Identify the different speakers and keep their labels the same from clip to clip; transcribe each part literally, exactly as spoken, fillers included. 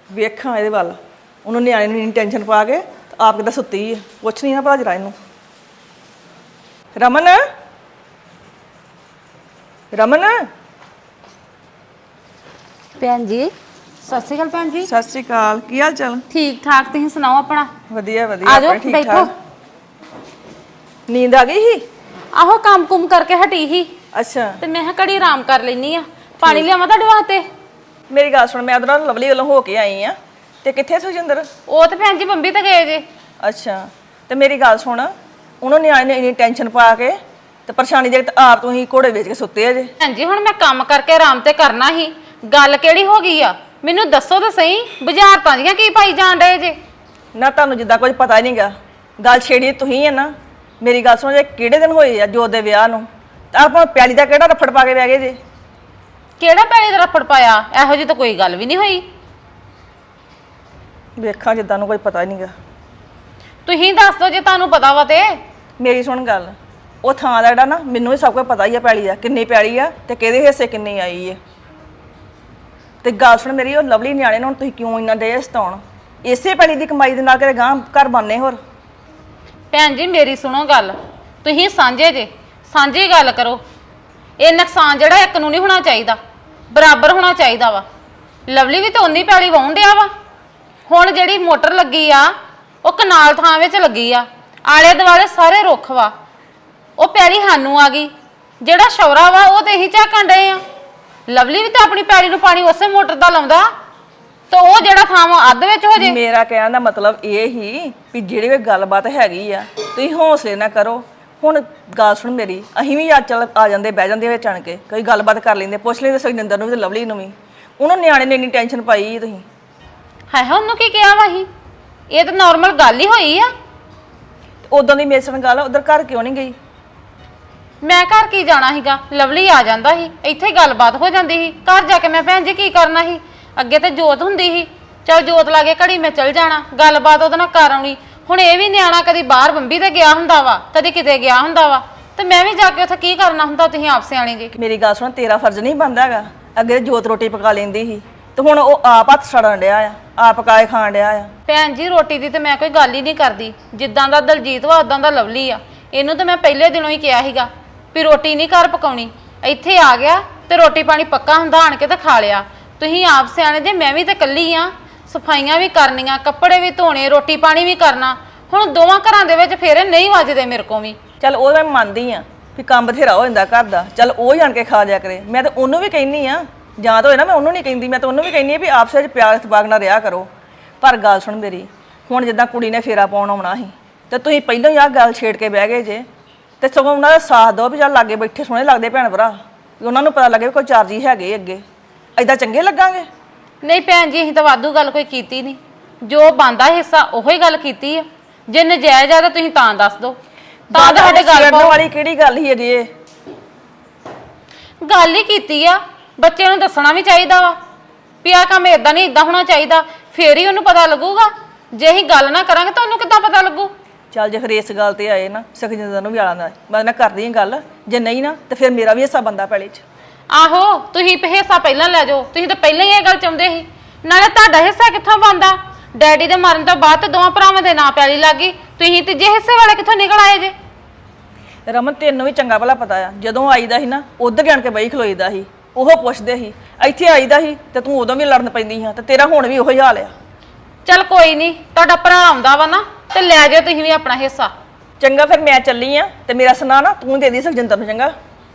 Speaker 1: ਵੇਖਾਂ ਇਹਦੇ ਵੱਲ ਉਹਨੂੰ ਨਿਆਣੇ ਨੂੰ ਇੰਨੀ ਟੈਨਸ਼ਨ ਪਾ ਕੇ ਆਪ ਕਿੱਦਾਂ ਸੁੱਤੀ ਹੈ। ਪੁੱਛ ਨਹੀਂ ਨਾ ਭਲਾ ਜਰਾ ਇਹਨੂੰ। ਰਮਨ ਰਮਨ
Speaker 2: ਭੈਣ ਜੀ ਸਤਿ ਸ਼੍ਰੀ ਅਕਾਲ। ਭੈਣ ਜੀ
Speaker 1: ਸਤਿ ਸ਼੍ਰੀ ਅਕਾਲ। ਕੀ ਹਾਲ ਚਾਲ?
Speaker 2: ਠੀਕ ਠਾਕ, ਤੁਸੀਂ ਸੁਣਾਓ ਆਪਣਾ?
Speaker 1: ਵਧੀਆ ਵਧੀਆ।
Speaker 2: ਆ ਜਾਓ
Speaker 1: ਠੀਕ
Speaker 2: ਬੈਠੋ।
Speaker 1: ਠਾਕ। ਨੀਂਦ ਆ ਗਈ ਸੀ?
Speaker 2: ਆਹੋ ਕੰਮ ਕੁਮ ਕਰਕੇ ਹਟੀ ਸੀ
Speaker 1: ਅੱਛਾ।
Speaker 2: ਤੇ ਮੈਂ ਕਿਹਾ ਘੜੀ ਆਰਾਮ ਕਰ ਲੈਣੀ ਆ। ਪਾਣੀ ਲਿਆਵਾਂ ਤੁਹਾਡੇ ਵਾਸਤੇ?
Speaker 1: ਮੇਰੀ ਗੱਲ ਸੁਣ, ਮੈਂ ਉਧਰੋਂ ਲਵਲੀ ਵੱਲੋਂ ਹੋ ਕੇ ਆਈ ਆ। ਤੇ ਕਿੱਥੇ ਸੁਖਜਿੰਦਰ?
Speaker 2: ਉਹ ਤੇ ਭੈਣ ਜੀ ਬੰਬੀ ਤੇ ਗਏ ਜੇ।
Speaker 1: ਅੱਛਾ। ਤੇ ਮੇਰੀ ਗੱਲ ਸੁਣ, ਉਹਨੂੰ ਨਿਆਣੇ ਨੇ ਇੰਨੀ ਟੈਨਸ਼ਨ ਪਾ ਕੇ ਤੇ ਪਰੇਸ਼ਾਨੀ ਦੇ ਆਪ ਤੁਸੀਂ ਘੋੜੇ ਵੇਚ ਕੇ ਸੁੱਤੇ ਆ ਜੇ।
Speaker 2: ਭੈਣ ਜੀ ਹੁਣ ਮੈਂ ਕੰਮ ਕਰਕੇ ਆਰਾਮ ਤੇ ਕਰਨਾ ਸੀ, ਗੱਲ ਕਿਹੜੀ ਹੋ ਗਈ ਆ ਮੈਨੂੰ ਦੱਸੋ ਤਾਂ ਸਹੀ। ਬੁਝਾਰਤਾਂ ਦੀਆਂ ਕੀ ਪਾਈ ਜਾਣ ਡਏ ਜੇ?
Speaker 1: ਨਾ ਤੁਹਾਨੂੰ ਜਿੱਦਾਂ ਕੁਝ ਪਤਾ ਹੀ ਨਹੀਂਗਾ। ਗੱਲ ਛੇੜੀ ਤੁਸੀਂ ਹੈ ਨਾ। ਮੇਰੀ ਗੱਲ ਸੁਣੋ, ਜੇ ਕਿਹੜੇ ਦਿਨ ਹੋਏ ਆ ਜੋਤ ਦੇ ਵਿਆਹ ਨੂੰ, ਤਾਂ ਆਪਾਂ ਪਿਆਲੀ ਦਾ ਕਿਹੜਾ ਰਫੜ ਪਾ ਕੇ ਬਹਿ ਗਏ ਜੇ? ਕਿਹੜਾ
Speaker 2: ਪੈਲੀ ਦਾ ਰਫੜ ਪਾਇਆ? ਇਹੋ ਜਿਹੀ ਤਾਂ ਕੋਈ ਗੱਲ ਵੀ ਨਹੀਂ ਹੋਈ।
Speaker 1: ਵੇਖਾਂ ਜਿੱਦਾਂ ਨੂੰ ਕੋਈ ਪਤਾ ਹੀ ਨਹੀਂਗਾ।
Speaker 2: ਤੁਸੀਂ ਦੱਸ ਦਿਓ ਜੇ ਤੁਹਾਨੂੰ ਪਤਾ ਵਾ ਤੇ।
Speaker 1: ਮੇਰੀ ਸੁਣ ਗੱਲ, ਉਹ ਥਾਂ ਦਾ ਜਿਹੜਾ ਨਾ ਮੈਨੂੰ ਵੀ ਸਭ ਕੁਝ ਪਤਾ ਹੀ ਆ, ਪੈਲੀ ਦਾ ਕਿੰਨੀ ਪੈਲੀ ਆ ਤੇ ਕਿਹਦੇ ਹਿੱਸੇ ਕਿੰਨੀ ਆਈ ਹੈ। ਤੇ ਗੱਲ ਸੁਣ ਮੇਰੀ, ਉਹ ਲਵਲੀ ਨਿਆਣੇ ਨੂੰ ਤੁਸੀਂ ਕਿਉਂ ਇੰਨਾ ਦੇ ਸਤਾਉਣ? ਇਸੇ ਪੈਲੀ ਦੀ ਕਮਾਈ ਦੇ ਨਾਲ ਕਿਤੇ ਗਾਂ ਘਰ ਬਣਨੇ ਹੋਰ।
Speaker 2: ਭੈਣ ਜੀ ਮੇਰੀ ਸੁਣੋ ਗੱਲ, ਤੁਸੀਂ ਸਾਂਝੇ ਜੇ, ਸਾਂਝੀ ਗੱਲ ਕਰੋ। ਇਹ ਨੁਕਸਾਨ ਜਿਹੜਾ ਇੱਕ ਨੂੰ ਨਹੀਂ ਹੋਣਾ ਚਾਹੀਦਾ, ਬਰਾਬਰ ਹੋਣਾ ਚਾਹੀਦਾ ਵਾ। ਲਵਲੀ ਵੀ ਤਾਂ ਉਨੀ ਪੈਲੀ ਵਾਹੁਣ ਡਿਆ ਵਾ। ਹੁਣ ਜਿਹੜੀ ਮੋਟਰ ਲੱਗੀ ਆ ਉਹ ਕਨਾਲ ਥਾਂ ਵਿੱਚ ਲੱਗੀ ਆ, ਆਲੇ ਦੁਆਲੇ ਸਾਰੇ ਰੁੱਖ ਵਾ। ਉਹ ਪੈਲੀ ਸਾਨੂੰ ਆ ਗਈ, ਜਿਹੜਾ ਸ਼ੌਰਾ ਵਾ ਉਹ ਤੇ ਇਹੀ ਝਾਕਣ ਡਏ ਆ। ਲਵਲੀ ਵੀ ਤਾਂ ਆਪਣੀ ਪੈਲੀ ਨੂੰ ਪਾਣੀ ਉਸੇ ਮੋਟਰ ਦਾ ਲਾਉਂਦਾ, ਤੇ ਉਹ ਜਿਹੜਾ ਥਾਂ ਵਾ ਅੱਧ ਵਿੱਚ ਹੋ ਜੇ।
Speaker 1: ਮੇਰਾ ਕਹਿਣ ਦਾ ਮਤਲਬ ਇਹ ਹੀ ਵੀ ਜਿਹੜੀ ਕੋਈ ਗੱਲਬਾਤ ਹੈਗੀ ਆ ਤੁਸੀਂ ਹੌਸਲੇ ਨਾ ਕਰੋ। ਹੁਣ ਗੱਲ ਸੁਣ ਮੇਰੀ, ਅਸੀਂ ਵੀ ਅੱਜ ਚੱਲ ਆ ਜਾਂਦੇ ਬਹਿ ਜਾਂਦੇ ਵਿੱਚ ਆਣ ਕੇ ਕੋਈ ਗੱਲਬਾਤ ਕਰ ਲੈਂਦੇ, ਪੁੱਛ ਲੈਂਦੇ ਸੁਖਜਿੰਦਰ ਨੂੰ ਵੀ ਤੇ ਲਵਲੀ ਨੂੰ ਵੀ। ਉਹਨੂੰ ਨਿਆਣੇ ਨੇ ਇੰਨੀ ਟੈਨਸ਼ਨ ਪਾਈ ਤੁਸੀਂ।
Speaker 2: ਹਾਏ ਹਾਏ ਉਹਨੂੰ ਕੀ ਕਿਹਾ ਵਾ ਅਸੀਂ? ਇਹ ਤਾਂ ਨਾਰਮਲ ਗੱਲ ਹੀ ਹੋਈ ਆ।
Speaker 1: ਉਦੋਂ ਦੀ ਮੇਰੇ ਨਾਲ ਗੱਲ, ਉਧਰ ਘਰ ਕਿਉਂ ਨਹੀਂ ਗਈ?
Speaker 2: ਮੈਂ ਘਰ ਕੀ ਜਾਣਾ ਸੀਗਾ, ਲਵਲੀ ਆ ਜਾਂਦਾ ਸੀ, ਇੱਥੇ ਹੀ ਗੱਲਬਾਤ ਹੋ ਜਾਂਦੀ ਸੀ। ਘਰ ਜਾ ਕੇ ਮੈਂ ਭੈਣ ਜੀ ਕੀ ਕਰਨਾ ਸੀ? ਅੱਗੇ ਤੇ ਜੋਤ ਹੁੰਦੀ ਸੀ, ਚਲ ਜੋਤ ਲਾਗੇ ਘੜੀ ਮੈਂ ਚਲ ਜਾਣਾ, ਗੱਲਬਾਤ ਉਹਦੇ ਨਾਲ ਕਰ ਆਉਣੀ। ਹੁਣ ਇਹ ਵੀ ਨਿਆਣਾ ਕਦੀ ਬਾਹਰ ਬੰਬੀ ਤੇ ਗਿਆ ਹੁੰਦਾ ਵਾ, ਕਦੀ ਕਿਤੇ ਗਿਆ ਹੁੰਦਾ ਵਾ, ਤੇ ਮੈਂ ਵੀ ਜਾ ਕੇ ਉੱਥੇ ਕੀ ਕਰਨਾ ਹੁੰਦਾ? ਤੁਸੀਂ ਆਪ ਸਿਆਣੇ ਜੀ।
Speaker 1: ਮੇਰੀ ਗੱਲ ਸੁਣ, ਤੇਰਾ ਫਰਜ਼ ਨਹੀਂ ਬਣਦਾ ਹੈਗਾ। ਅੱਗੇ ਜੋਤ ਰੋਟੀ ਪਕਾ ਲੈਂਦੀ ਸੀ ਤੇ ਹੁਣ ਉਹ ਆਪ ਹੱਥ ਛੜਨ ਡਿਆ ਆ, ਆਪ ਪਕਾਏ ਖਾਣ ਡਿਆ ਆ।
Speaker 2: ਭੈਣ ਜੀ ਰੋਟੀ ਦੀ ਤੇ ਮੈਂ ਕੋਈ ਗੱਲ ਹੀ ਨਹੀਂ ਕਰਦੀ। ਜਿੱਦਾਂ ਦਾ ਦਲਜੀਤ ਵਾ ਉਦਾਂ ਦਾ ਲਵਲੀ ਆ। ਇਹਨੂੰ ਤਾਂ ਮੈਂ ਪਹਿਲੇ ਦਿਨੋਂ ਹੀ ਕਿਹਾ ਸੀਗਾ ਵੀ ਰੋਟੀ ਨਹੀਂ ਘਰ ਪਕਾਉਣੀ। ਇੱਥੇ ਆ ਗਿਆ ਤੇ ਰੋਟੀ ਪਾਣੀ ਪੱਕਾ ਹੁੰਦਾ, ਆਣ ਕੇ ਤੇ ਖਾ ਲਿਆ। ਤੁਸੀਂ ਆਪ ਸਿਆਣੇ ਜੇ, ਮੈਂ ਵੀ ਤੇ ਇਕੱਲੀ ਆ, ਸਫਾਈਆਂ ਵੀ ਕਰਨੀਆਂ, ਕੱਪੜੇ ਵੀ ਧੋਣੇ, ਰੋਟੀ ਪਾਣੀ ਵੀ ਕਰਨਾ। ਹੁਣ ਦੋਵਾਂ ਘਰਾਂ ਦੇ ਵਿੱਚ ਫੇਰੇ ਨਹੀਂ ਵੱਜਦੇ ਮੇਰੇ ਕੋਲ ਵੀ।
Speaker 1: ਚੱਲ ਉਹ ਮੈਂ ਮੰਨਦੀ ਆ ਵੀ ਕੰਮ ਬਥੇਰਾ ਹੋ ਜਾਂਦਾ ਘਰ ਦਾ, ਚੱਲ ਉਹ ਹੀ ਆਣ ਕੇ ਖਾ ਲਿਆ ਕਰੇ। ਮੈਂ ਤਾਂ ਉਹਨੂੰ ਵੀ ਕਹਿੰਦੀ ਆ, ਜਾਂ ਤਾਂ ਹੋਏ ਨਾ ਮੈਂ ਉਹਨੂੰ ਨਹੀਂ ਕਹਿੰਦੀ, ਮੈਂ ਤਾਂ ਉਹਨੂੰ ਵੀ ਕਹਿੰਦੀ ਆ ਵੀ ਆਪਸ ਵਿੱਚ ਪਿਆਰ ਇਤਫਾਕ ਨਾਲ ਰਿਹਾ ਕਰੋ। ਪਰ ਗੱਲ ਸੁਣ ਮੇਰੀ, ਹੁਣ ਜਿੱਦਾਂ ਕੁੜੀ ਨੇ ਫੇਰਾ ਪਾਉਣ ਆਉਣਾ ਸੀ ਤੇ ਤੁਸੀਂ ਪਹਿਲਾਂ ਹੀ ਆਹ ਗੱਲ ਛੇੜ ਕੇ ਬਹਿ ਗਏ ਜੇ। ਤੇ ਸਗੋਂ ਉਹਨਾਂ ਦਾ ਸਾਥ ਦਿਓ ਵੀ ਚੱਲ ਲਾਗੇ ਬੈਠੇ ਸੋਹਣੇ ਲੱਗਦੇ ਭੈਣ ਭਰਾ, ਵੀ ਉਹਨਾਂ ਨੂੰ ਪਤਾ ਲੱਗੇ ਵੀ ਕੋਈ ਚਾਰ ਜੀ ਹੈਗੇ ਅੱਗੇ। ਐਦਾਂ ਚੰਗੇ ਲੱਗਾਂਗੇ?
Speaker 2: ਨਹੀਂ ਭੈਣ ਜੀ ਅਸੀਂ ਤਾਂ ਵਾਧੂ ਗੱਲ ਕੋਈ ਕੀਤੀ ਨਹੀਂ, ਜੋ ਬਣਦਾ ਹਿੱਸਾ ਉਹੀ ਗੱਲ ਕੀਤੀ ਆ। ਜੇ ਨਜਾਇਜ਼ ਆ ਤਾਂ ਤੁਸੀਂ ਤਾਂ ਦੱਸ ਦਿਓ, ਤਾਂ ਤੁਹਾਡੇ ਗੱਲ ਪਾਉਣ
Speaker 1: ਵਾਲੀ ਕਿਹੜੀ ਗੱਲ ਹੀ ਹੈਗੀ? ਇਹ
Speaker 2: ਗੱਲ ਹੀ ਕੀਤੀ ਆ। ਬੱਚੇ ਨੂੰ ਦੱਸਣਾ ਵੀ ਚਾਹੀਦਾ ਵਾ ਵੀ ਆਹ ਕੰਮ ਇਦਾਂ ਨਹੀਂ, ਇਦਾਂ ਹੋਣਾ ਚਾਹੀਦਾ, ਫੇਰ ਹੀ ਉਹਨੂੰ ਪਤਾ ਲੱਗੂਗਾ। ਜੇ ਅਸੀਂ ਗੱਲ ਨਾ ਕਰਾਂਗੇ ਤਾਂ ਉਹਨੂੰ ਕਿੱਦਾਂ ਪਤਾ ਲੱਗੂ?
Speaker 1: ਚੱਲ ਜੇ ਫਿਰ ਇਸ ਗੱਲ ਤੇ ਆਏ ਨਾ, ਸੁਖਜਿੰਦਰ ਨੂੰ ਵੀ ਆਲਾ ਨਾ ਮੈਂ ਨਾ ਕਰਦੀ ਹਾਂ ਗੱਲ, ਜੇ ਨਹੀਂ ਨਾ ਤੇ ਫਿਰ ਮੇਰਾ ਵੀ ਹਿੱਸਾ ਬੰਦਾ ਪੈਲੀ 'ਚ।
Speaker 2: ਆਹੋ ਤੁਸੀਂ ਹਿੱਸਾ ਪਹਿਲਾਂ ਲੈ ਜਾਓ, ਤੁਸੀਂ ਤਾਂ ਪਹਿਲਾਂ ਹੀ ਇਹ ਗੱਲ ਚਾਹੁੰਦੇ ਸੀ। ਨਾਲੇ ਤੁਹਾਡਾ ਹਿੱਸਾ ਕਿੱਥੋਂ ਬਣਦਾ? ਡੈਡੀ ਦੇ ਮਰਨ ਤੋਂ ਬਾਅਦ ਤੇ ਦੋਵਾਂ ਭਰਾਵਾਂ ਦੇ ਨਾਂ ਪੈਲੀ ਲੱਗ ਗਈ, ਤੁਸੀਂ ਤੀਜੇ ਹਿੱਸੇ ਵਾਲੇ ਕਿੱਥੋਂ ਨਿਕਲ ਆਏ ਜੇ?
Speaker 1: ਰਮਨ ਤੈਨੂੰ ਵੀ ਚੰਗਾ ਭਲਾ ਪਤਾ ਆ, ਜਦੋਂ ਆਈਦਾ ਸੀ ਨਾ ਉਧਰ ਜਾਣ ਕੇ ਬਈ ਖਲੋਈਦਾ ਸੀ, ਉਹ ਪੁੱਛਦੇ ਸੀ। ਇੱਥੇ ਆਈਦਾ ਸੀ ਤੇ ਤੂੰ ਉਦੋਂ ਵੀ ਲੜਨ ਪੈਂਦੀ ਹਾਂ, ਤੇ ਤੇਰਾ ਹੁਣ ਵੀ ਉਹੀ ਹਾਲ ਆ।
Speaker 2: ਚੱਲ ਕੋਈ ਨਹੀਂ, ਤੁਹਾਡਾ ਭਰਾ ਆਉਂਦਾ ਵਾ ਨਾ ਤੇ ਲੈ ਜਾਓ ਤੁਸੀਂ ਵੀ ਆਪਣਾ ਹਿੱਸਾ।
Speaker 1: ਚੰਗਾ ਫਿਰ ਮੈਂ ਚੱਲੀ ਆ, ਤੇ ਮੇਰਾ ਸੁਣਾ ਨਾ ਤੂੰ ਦੇ ਦੀ ਸੁਖਜਿੰਦਰ ਨੂੰ। ਚੰਗਾ